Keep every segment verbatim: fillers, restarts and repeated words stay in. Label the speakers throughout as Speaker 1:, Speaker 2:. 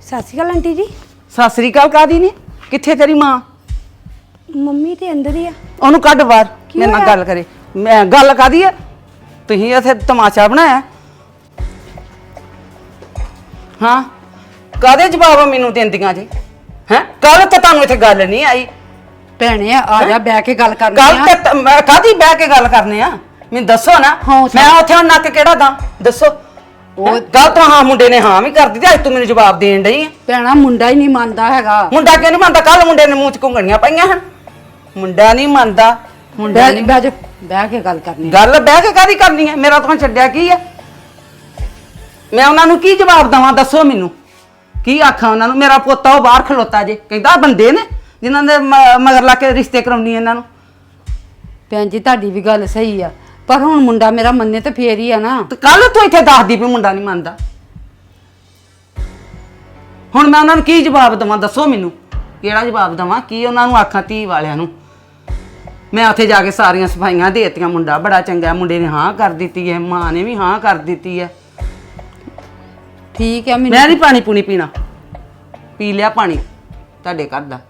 Speaker 1: ਸਤਿ ਸ਼੍ਰੀ ਅਕਾਲ ਆਂਟੀ ਜੀ।
Speaker 2: ਸਤਿ ਸ੍ਰੀ ਅਕਾਲ ਕਾਦੀ ਨੇ ਕਿੱਥੇ ਤੇਰੀ ਮਾਂ?
Speaker 1: ਮੰਮੀ ਤੇ ਅੰਦਰ ਹੀ ਆ।
Speaker 2: ਉਹਨੂੰ ਕੱਢ ਬਾਹਰ
Speaker 1: ਕੀ
Speaker 2: ਮੇਰੇ ਨਾਲ
Speaker 1: ਹੋਇਆ?
Speaker 2: ਗੱਲ ਕਰੇ। ਮੈਂ ਗੱਲ ਕਾਦੀ ਆ? ਤੁਸੀਂ ਇੱਥੇ ਤਮਾਸ਼ਾ ਬਣਾਇਆ। ਹਾਂ ਕਾਦੇ ਜਵਾਬ ਮੈਨੂੰ ਦਿੰਦੀਆਂ ਜੀ? ਹੈ ਕੱਲ ਤਾਂ ਤੁਹਾਨੂੰ ਇੱਥੇ ਗੱਲ ਨਹੀਂ ਆਈ।
Speaker 3: ਭੈਣੇ ਆ ਜਾ ਬਹਿ ਕੇ ਗੱਲ ਕਰਨੀ
Speaker 2: ਕੱਲ
Speaker 3: ਆ।
Speaker 2: ਤੇ ਮੈਂ ਕਾਦੀ ਬਹਿ ਕੇ ਗੱਲ ਕਰਨੇ ਆ? ਮੈਨੂੰ ਦੱਸੋ ਨਾ।
Speaker 3: ਹੌਸਲਾ।
Speaker 2: ਮੈਂ ਉੱਥੇ ਹੁਣ ਨੱਕ ਕਿਹੜਾ ਦਾਂ ਦੱਸੋ? ਉਹ ਕੱਲ ਤਾਂ ਹਾਂ ਮੁੰਡੇ ਨੇ ਹਾਂ ਵੀ ਕਰ ਦਿੱਤੀ, ਅੱਜ ਤੂੰ ਮੈਨੂੰ ਜਵਾਬ ਦੇਣ ਡਈ ਆ।
Speaker 3: ਭੈਣਾ ਮੁੰਡਾ ਹੀ ਨਹੀਂ ਮੰਨਦਾ ਹੈਗਾ।
Speaker 2: ਮੁੰਡਾ ਕਿਉਂ ਨਹੀਂ ਮੰਨਦਾ? ਕੱਲ ਮੁੰਡੇ ਨੇ ਮੂੰਹ ਚ ਘੁੰਗਣੀਆਂ ਪਈਆਂ ਹਨ। ਮੁੰਡਾ ਨਹੀਂ ਮੰਨਦਾ। ਮੁੰਡਾ
Speaker 3: ਬਹਿ
Speaker 2: ਨਹੀਂ
Speaker 3: ਬਹਿ ਜਾ ਬਹਿ ਕੇ ਗੱਲ ਕਰਨੀ ਆ।
Speaker 2: ਗੱਲ ਬਹਿ ਕੇ ਕਾਦੀ ਕਰਨੀ ਹੈ? ਮੇਰਾ ਤਾਂ ਛੱਡਿਆ ਕੀ ਹੈ? ਮੈਂ ਉਹਨਾਂ ਨੂੰ ਕੀ ਜਵਾਬ ਦਵਾਂ ਦੱਸੋ ਮੈਨੂੰ? ਕੀ ਆਖਾਂ ਉਹਨਾਂ ਨੂੰ? ਮੇਰਾ ਪੋਤਾ ਉਹ ਬਾਹਰ ਖਲੋਤਾ ਜੇ, ਕਹਿੰਦਾ ਬੰਦੇ ਨੇ ਜਿਨ੍ਹਾਂ ਦੇ ਮ- ਮਗਰ ਲਾ ਕੇ ਰਿਸ਼ਤੇ ਕਰਾਉਣੀ ਇਹਨਾਂ ਨੂੰ।
Speaker 3: ਭੈਣ ਜੀ ਤੁਹਾਡੀ ਵੀ ਗੱਲ ਸਹੀ ਆ, ਪਰ ਹੁਣ ਮੁੰਡਾ ਮੇਰਾ ਮੰਨੇ ਤੇ ਫੇਰ ਹੀ ਆ ਨਾ।
Speaker 2: ਤੇ ਕੱਲ ਤੂੰ ਇੱਥੇ ਦੱਸਦੀ ਵੀ ਮੁੰਡਾ ਨਹੀਂ ਮੰਨਦਾ। ਹੁਣ ਮੈਂ ਉਹਨਾਂ ਨੂੰ ਕੀ ਜਵਾਬ ਦਵਾਂ ਦੱਸੋ ਮੈਨੂੰ? ਕਿਹੜਾ ਜਵਾਬ ਦਵਾਂ? ਕੀ ਉਹਨਾਂ ਨੂੰ ਆਖਾਂ ਧੀ ਵਾਲਿਆਂ ਨੂੰ? ਮੈਂ ਉੱਥੇ ਜਾ ਕੇ ਸਾਰੀਆਂ ਸਫਾਈਆਂ ਦੇ ਦਿੱਤੀਆਂ, ਮੁੰਡਾ ਬੜਾ ਚੰਗਾ, ਮੁੰਡੇ ਨੇ ਹਾਂ ਕਰ ਦਿੱਤੀ ਹੈ, ਮਾਂ ਨੇ ਵੀ ਹਾਂ ਕਰ ਦਿੱਤੀ ਹੈ।
Speaker 3: ਠੀਕ ਆ
Speaker 2: ਮੈਂ
Speaker 3: ਮੈਨੂੰ
Speaker 2: ਨਹੀਂ ਪਾਣੀ ਪੂਣੀ ਪੀਣਾ, ਪੀ ਲਿਆ ਪਾਣੀ ਤੁਹਾਡੇ ਘਰ ਦਾ।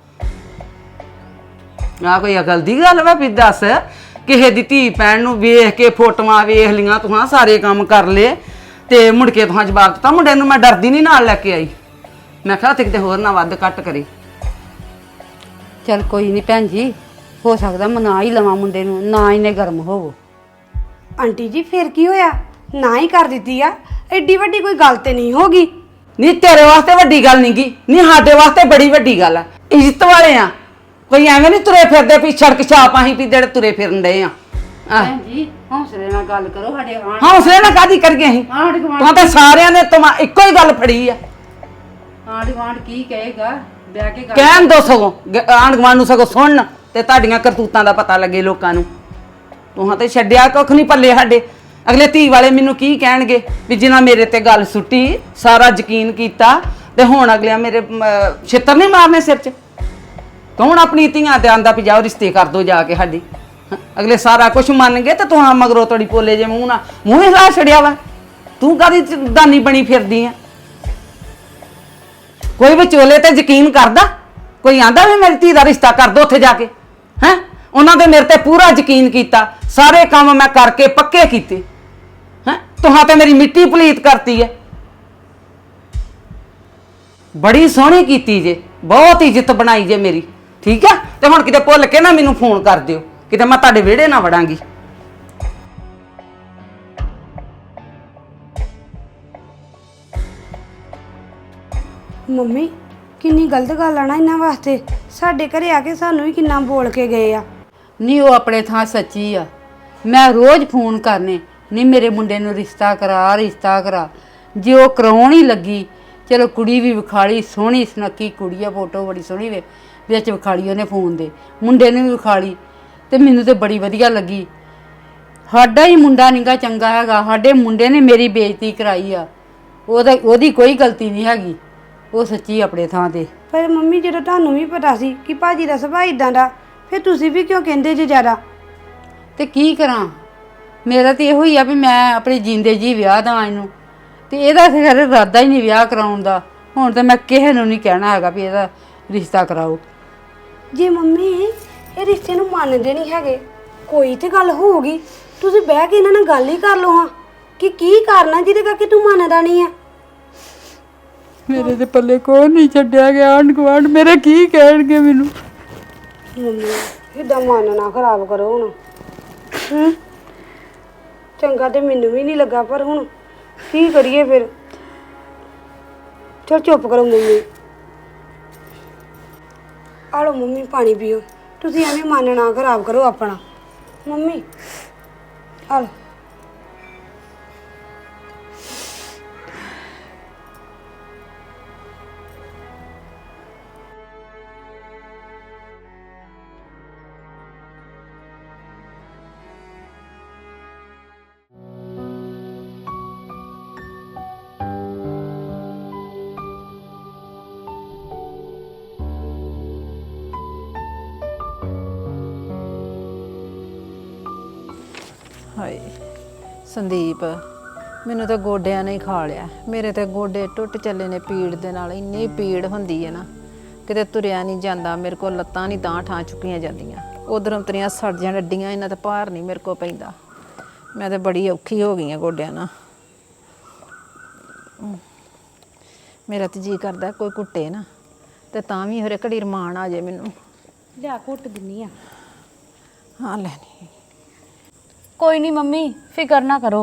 Speaker 2: ਆ ਕੋਈ ਅਕਲ ਦੀ ਗੱਲ ਵਾ? ਵੀ ਦੱਸ, ਕਿਸੇ ਦੀ ਧੀ ਭੈਣ ਨੂੰ ਵੇਖ ਕੇ ਫੋਟੋਆਂ ਵੇਖ ਲੀਆਂ ਤੂੰ, ਸਾਰੇ ਕੰਮ ਕਰ ਲਏ ਤੇ ਮੁੜ ਕੇ ਤੂੰ ਜਵਾਬ ਦਿੱਤਾ। ਮੁੰਡੇ ਨੂੰ ਮੈਂ ਡਰਦੀ ਨਹੀਂ ਨਾਲ ਲੈ ਕੇ ਆਈ। ਮੈਂ ਕਿਹਾ ਉੱਥੇ ਕਿਤੇ ਹੋਰ ਨਾ ਵੱਧ ਘੱਟ ਕਰੇ।
Speaker 3: ਚੱਲ ਕੋਈ ਨਹੀਂ ਭੈਣ ਜੀ, ਹੋ ਸਕਦਾ ਮਨਾ ਹੀ ਲਵਾਂ ਮੁੰਡੇ ਨੂੰ, ਨਾ ਇਹਨੇ ਗਰਮ ਹੋਵੋ।
Speaker 1: ਆਂਟੀ ਜੀ ਫਿਰ ਕੀ ਹੋਇਆ? ਨਾ ਹੀ ਕਰ ਦਿੱਤੀ ਆ, ਐਡੀ ਵੱਡੀ ਕੋਈ ਗੱਲ ਤੇ ਨਹੀਂ ਹੋਗੀ।
Speaker 2: ਨਹੀਂ ਤੇਰੇ ਵਾਸਤੇ ਵੱਡੀ ਗੱਲ ਨਹੀਂ ਗੀ, ਨਹੀਂ ਸਾਡੇ ਵਾਸਤੇ ਬੜੀ ਵੱਡੀ ਗੱਲ ਆ। ਇੱਜ਼ਤ ਵਾਲੇ ਆ, ਕੋਈ ਐਵੇਂ ਨਹੀਂ ਤੁਰੇ ਫਿਰਦੇ ਵੀ ਸੜਕ ਛਾਪ ਅਸੀਂ ਵੀ ਜਿਹੜੇ ਤੁਰੇ ਫਿਰਨ ਡਏ ਆ। ਆਹ
Speaker 3: ਭੈਣ ਜੀ ਹੌਸਲੇ ਨਾਲ ਗੱਲ ਕਰੋ। ਸਾਡੇ ਆਂਢ
Speaker 2: ਹੌਸਲੇ ਨਾਲ ਕਾਦੀ ਕਰੀਏ ਅਸੀਂ?
Speaker 3: ਆਂਢ ਗੁਆਂਢ
Speaker 2: ਤੂੰ ਤਾਂ ਸਾਰਿਆਂ ਨੇ ਤੁਮਾ ਇੱਕੋ ਹੀ ਗੱਲ ਫੜੀ ਆ।
Speaker 3: ਆਂਢ ਗੁਆਂਢ ਕੀ ਕਹੇਗਾ? ਬਹਿ ਕੇ ਗੱਲ
Speaker 2: ਕਹਿਣ ਦੋ ਸਗੋਂ ਆਂਢ ਗੁਆਂਢ ਨੂੰ ਸਗੋਂ ਸੁਣਨ ਤੇ ਤੁਹਾਡੀਆਂ ਕਰਤੂਤਾਂ ਦਾ ਪਤਾ ਲੱਗੇ ਲੋਕਾਂ ਨੂੰ। ਤੂੰ ਤੇ ਛੱਡਿਆ ਕੁੱਖ ਨਹੀਂ ਪੱਲੇ ਸਾਡੇ। ਅਗਲੇ ਧੀ ਵਾਲੇ ਮੈਨੂੰ ਕੀ ਕਹਿਣਗੇ ਵੀ ਜਿਨ੍ਹਾਂ ਮੇਰੇ ਤੇ ਗੱਲ ਸੁੱਟੀ, ਸਾਰਾ ਯਕੀਨ ਕੀਤਾ ਤੇ ਹੁਣ ਅਗਲਿਆਂ ਮੇਰੇ ਛਿੱਤਰ ਨਹੀਂ ਮਾਰਨੇ ਸਿਰ 'ਚ। ਤੂੰ ਹੁਣ ਆਪਣੀ ਧੀਆਂ ਤੇ ਆਂਦਾ ਵੀ ਜਾਓ ਰਿਸ਼ਤੇ ਕਰ ਦੋ ਜਾ ਕੇ ਸਾਡੀ। ਅਗਲੇ ਸਾਰਾ ਕੁਝ ਮੰਨ ਗਏ ਤੇ ਤੂੰ ਹਾਂ ਮਗਰੋਂ ਤੋੜੀ ਪੋਲੇ ਜੇ ਮੂੰਹ ਨਾਲ ਮੂੰਹ ਹੀ ਲਾ ਛੜਿਆ ਵਾ। ਤੂੰ ਕਾਹਦੀ ਦਾਨੀ ਬਣੀ ਫਿਰਦੀ ਆ? ਕੋਈ ਵਿਚੋਲੇ ਤੇ ਯਕੀਨ ਕਰਦਾ? ਕੋਈ ਆਂਦਾ ਵੀ ਮੇਰੀ ਧੀ ਦਾ ਰਿਸ਼ਤਾ ਕਰ ਦੋ ਉੱਥੇ ਜਾ ਕੇ? ਹੈ ਉਹਨਾਂ ਦੇ ਮੇਰੇ ਤੇ ਪੂਰਾ ਯਕੀਨ ਕੀਤਾ, ਸਾਰੇ ਕੰਮ ਮੈਂ ਕਰਕੇ ਪੱਕੇ ਕੀਤੇ। ਹੈ ਤੁਹਾਂ ਤੇ ਮੇਰੀ ਮਿੱਟੀ ਪਲੀਤ ਕਰਤੀ ਹੈ। ਬੜੀ ਸੋਹਣੀ ਕੀਤੀ ਜੇ, ਬਹੁਤ ਇੱਜ਼ਤ ਬਣਾਈ ਜੇ ਮੇਰੀ, ਠੀਕ ਆ? ਤੇ ਹੁਣ ਕਿਤੇ ਭੁੱਲ ਕੇ ਨਾ ਮੈਨੂੰ ਫੋਨ ਕਰ ਦਿਓ, ਕਿਤੇ ਮੈਂ ਤੁਹਾਡੇ ਵਿਹੜੇ ਨਾ ਵੜਾਂਗੀ।
Speaker 1: ਮੰਮੀ ਕਿੰਨੀ ਗਲਤ ਗੱਲ ਆ ਨਾ ਇਹਨਾਂ ਵਾਸਤੇ। ਸਾਡੇ ਘਰੇ ਆ ਕੇ ਸਾਨੂੰ ਵੀ ਕਿੰਨਾ ਬੋਲ ਕੇ ਗਏ ਆ।
Speaker 3: ਨਹੀਂ ਉਹ ਆਪਣੇ ਥਾਂ ਸੱਚੀ ਆ। ਮੈਂ ਰੋਜ਼ ਫੋਨ ਕਰਨੇ, ਨਹੀਂ ਮੇਰੇ ਮੁੰਡੇ ਨੂੰ ਰਿਸ਼ਤਾ ਕਰਾ ਰਿਸ਼ਤਾ ਕਰਾ। ਜੇ ਉਹ ਕਰਾਉਣ ਹੀ ਲੱਗੀ, ਚਲੋ ਕੁੜੀ ਵੀ ਵਿਖਾਲੀ, ਸੋਹਣੀ ਸੁਨੱਖੀ ਕੁੜੀ ਆ, ਫੋਟੋ ਬੜੀ ਸੋਹਣੀ ਵੇ ਵਿੱਚ ਵਿਖਾਲੀ ਉਹਨੇ ਫੋਨ ਦੇ, ਮੁੰਡੇ ਨੇ ਵੀ ਵਿਖਾਲੀ ਤੇ ਮੈਨੂੰ ਤੇ ਬੜੀ ਵਧੀਆ ਲੱਗੀ। ਸਾਡਾ ਹੀ ਮੁੰਡਾ ਨੀਗਾ ਚੰਗਾ ਹੈਗਾ, ਸਾਡੇ ਮੁੰਡੇ ਨੇ ਮੇਰੀ ਬੇਇੱਜ਼ਤੀ ਕਰਾਈ ਆ। ਉਹਦਾ ਉਹਦੀ ਕੋਈ ਗਲਤੀ ਨਹੀਂ ਹੈਗੀ, ਉਹ ਸੱਚੀ ਆਪਣੇ ਥਾਂ ਤੇ।
Speaker 1: ਪਰ ਮੰਮੀ ਜਦੋਂ ਤੁਹਾਨੂੰ ਵੀ ਪਤਾ ਸੀ ਕਿ ਭਾਜੀ ਦਾ ਸੁਭਾਅ ਇਦਾਂ ਦਾ, ਫਿਰ ਤੁਸੀਂ ਵੀ ਕਿਉਂ ਕਹਿੰਦੇ ਜੇ ਜ਼ਿਆਦਾ?
Speaker 3: ਤੇ ਕੀ ਕਰਾਂ, ਮੇਰਾ ਤੇ ਇਹੋ ਹੀ ਆ ਵੀ ਮੈਂ ਆਪਣੇ ਜੀਂਦੇ ਜੀ ਵਿਆਹ ਦਾ ਇਹਨੂੰ, ਤੇ ਇਹਦਾ ਤੇ ਖਰੇ ਇਰਾਦਾ ਹੀ ਨਹੀਂ ਵਿਆਹ ਕਰਾਉਣ ਦਾ। ਹੁਣ ਤਾਂ ਮੈਂ ਕਿਸੇ ਨੂੰ ਨਹੀਂ ਕਹਿਣਾ ਹੈਗਾ ਵੀ ਇਹਦਾ ਰਿਸ਼ਤਾ ਕਰਾਓ।
Speaker 1: ਜੇ ਮੰਮੀ ਇਹ ਰਿਸ਼ਤੇ ਨੂੰ ਮੰਨਦੇ ਨਹੀਂ ਹੈਗੇ, ਕੋਈ ਤੇ ਗੱਲ ਹੋਊਗੀ। ਤੁਸੀਂ ਬਹਿ ਕੇ ਇਹਨਾਂ ਨਾਲ ਗੱਲ ਹੀ ਕਰ ਲਓ ਹਾਂ ਕਿ ਕੀ ਕਰਨਾ ਜਿਹਦੇ ਕਰਕੇ ਤੂੰ ਮੰਨਦਾ ਨਹੀਂ ਆ।
Speaker 3: ਮੇਰੇ ਤੇ ਪੱਲੇ ਕੋਈ ਨਹੀਂ ਛੱਡਿਆ ਗਿਆ, ਆਂਢ ਗੁਆਂਢ ਮੇਰੇ ਕੀ ਕਹਿਣਗੇ ਮੈਨੂੰ?
Speaker 1: ਮੰਮੀ ਇਦਾਂ ਮਨ ਨਾ ਖਰਾਬ ਕਰੋ ਹੁਣ। ਹੂੰ ਚੰਗਾ ਤੇ ਮੈਨੂੰ ਵੀ ਨਹੀਂ ਲੱਗਾ, ਪਰ ਹੁਣ ਕੀ ਕਰੀਏ ਫਿਰ? ਚਲ ਚੁੱਪ ਕਰੋ ਮੰਮੀ। ਆ ਲਓ ਮੰਮੀ ਪਾਣੀ ਪੀਓ। ਤੁਸੀਂ ਐਵੇਂ ਮਨ ਨਾ ਖਰਾਬ ਕਰੋ ਆਪਣਾ। ਮੰਮੀ ਆ ਲਓ।
Speaker 4: ਹਾਏ ਸੰਦੀਪ, ਮੈਨੂੰ ਤਾਂ ਗੋਡਿਆਂ ਨੇ ਹੀ ਖਾ ਲਿਆ। ਮੇਰੇ ਤੇ ਗੋਡੇ ਟੁੱਟ ਚੱਲੇ ਨੇ ਪੀੜ ਦੇ ਨਾਲ, ਇੰਨੀ ਪੀੜ ਹੁੰਦੀ ਹੈ ਨਾ ਕਿਤੇ ਤੁਰਿਆ ਨਹੀਂ ਜਾਂਦਾ। ਮੇਰੇ ਕੋਲ ਲੱਤਾਂ ਨਹੀਂ ਤਾਂ ਠਾਂ ਚੁੱਕੀਆਂ ਜਾਂਦੀਆਂ। ਉਧਰੋਂ ਤੇਰੀਆਂ ਸੜਜਾਂ ਡੱਡੀਆਂ, ਇਹਨਾਂ ਤੇ ਭਾਰ ਨਹੀਂ ਮੇਰੇ ਕੋਲ ਪੈਂਦਾ। ਮੈਂ ਤਾਂ ਬੜੀ ਔਖੀ ਹੋ ਗਈ ਆ ਗੋਡਿਆਂ ਨਾਲ। ਮੇਰਾ ਤੇ ਜੀ ਕਰਦਾ ਕੋਈ ਕੁੱਟੇ ਨਾ ਤੇ ਤਾਂ ਵੀ ਹਰੇ ਘੜੀ ਰਮਾਨ ਆ ਜੇ ਮੈਨੂੰ।
Speaker 1: ਲਿਆ ਘੁੱਟ ਦਿੰਨੀ ਆ।
Speaker 4: ਹਾਂ ਲੈਣੀ।
Speaker 1: ਕੋਈ ਨਹੀਂ ਮੰਮੀ, ਫਿਕਰ ਨਾ ਕਰੋ,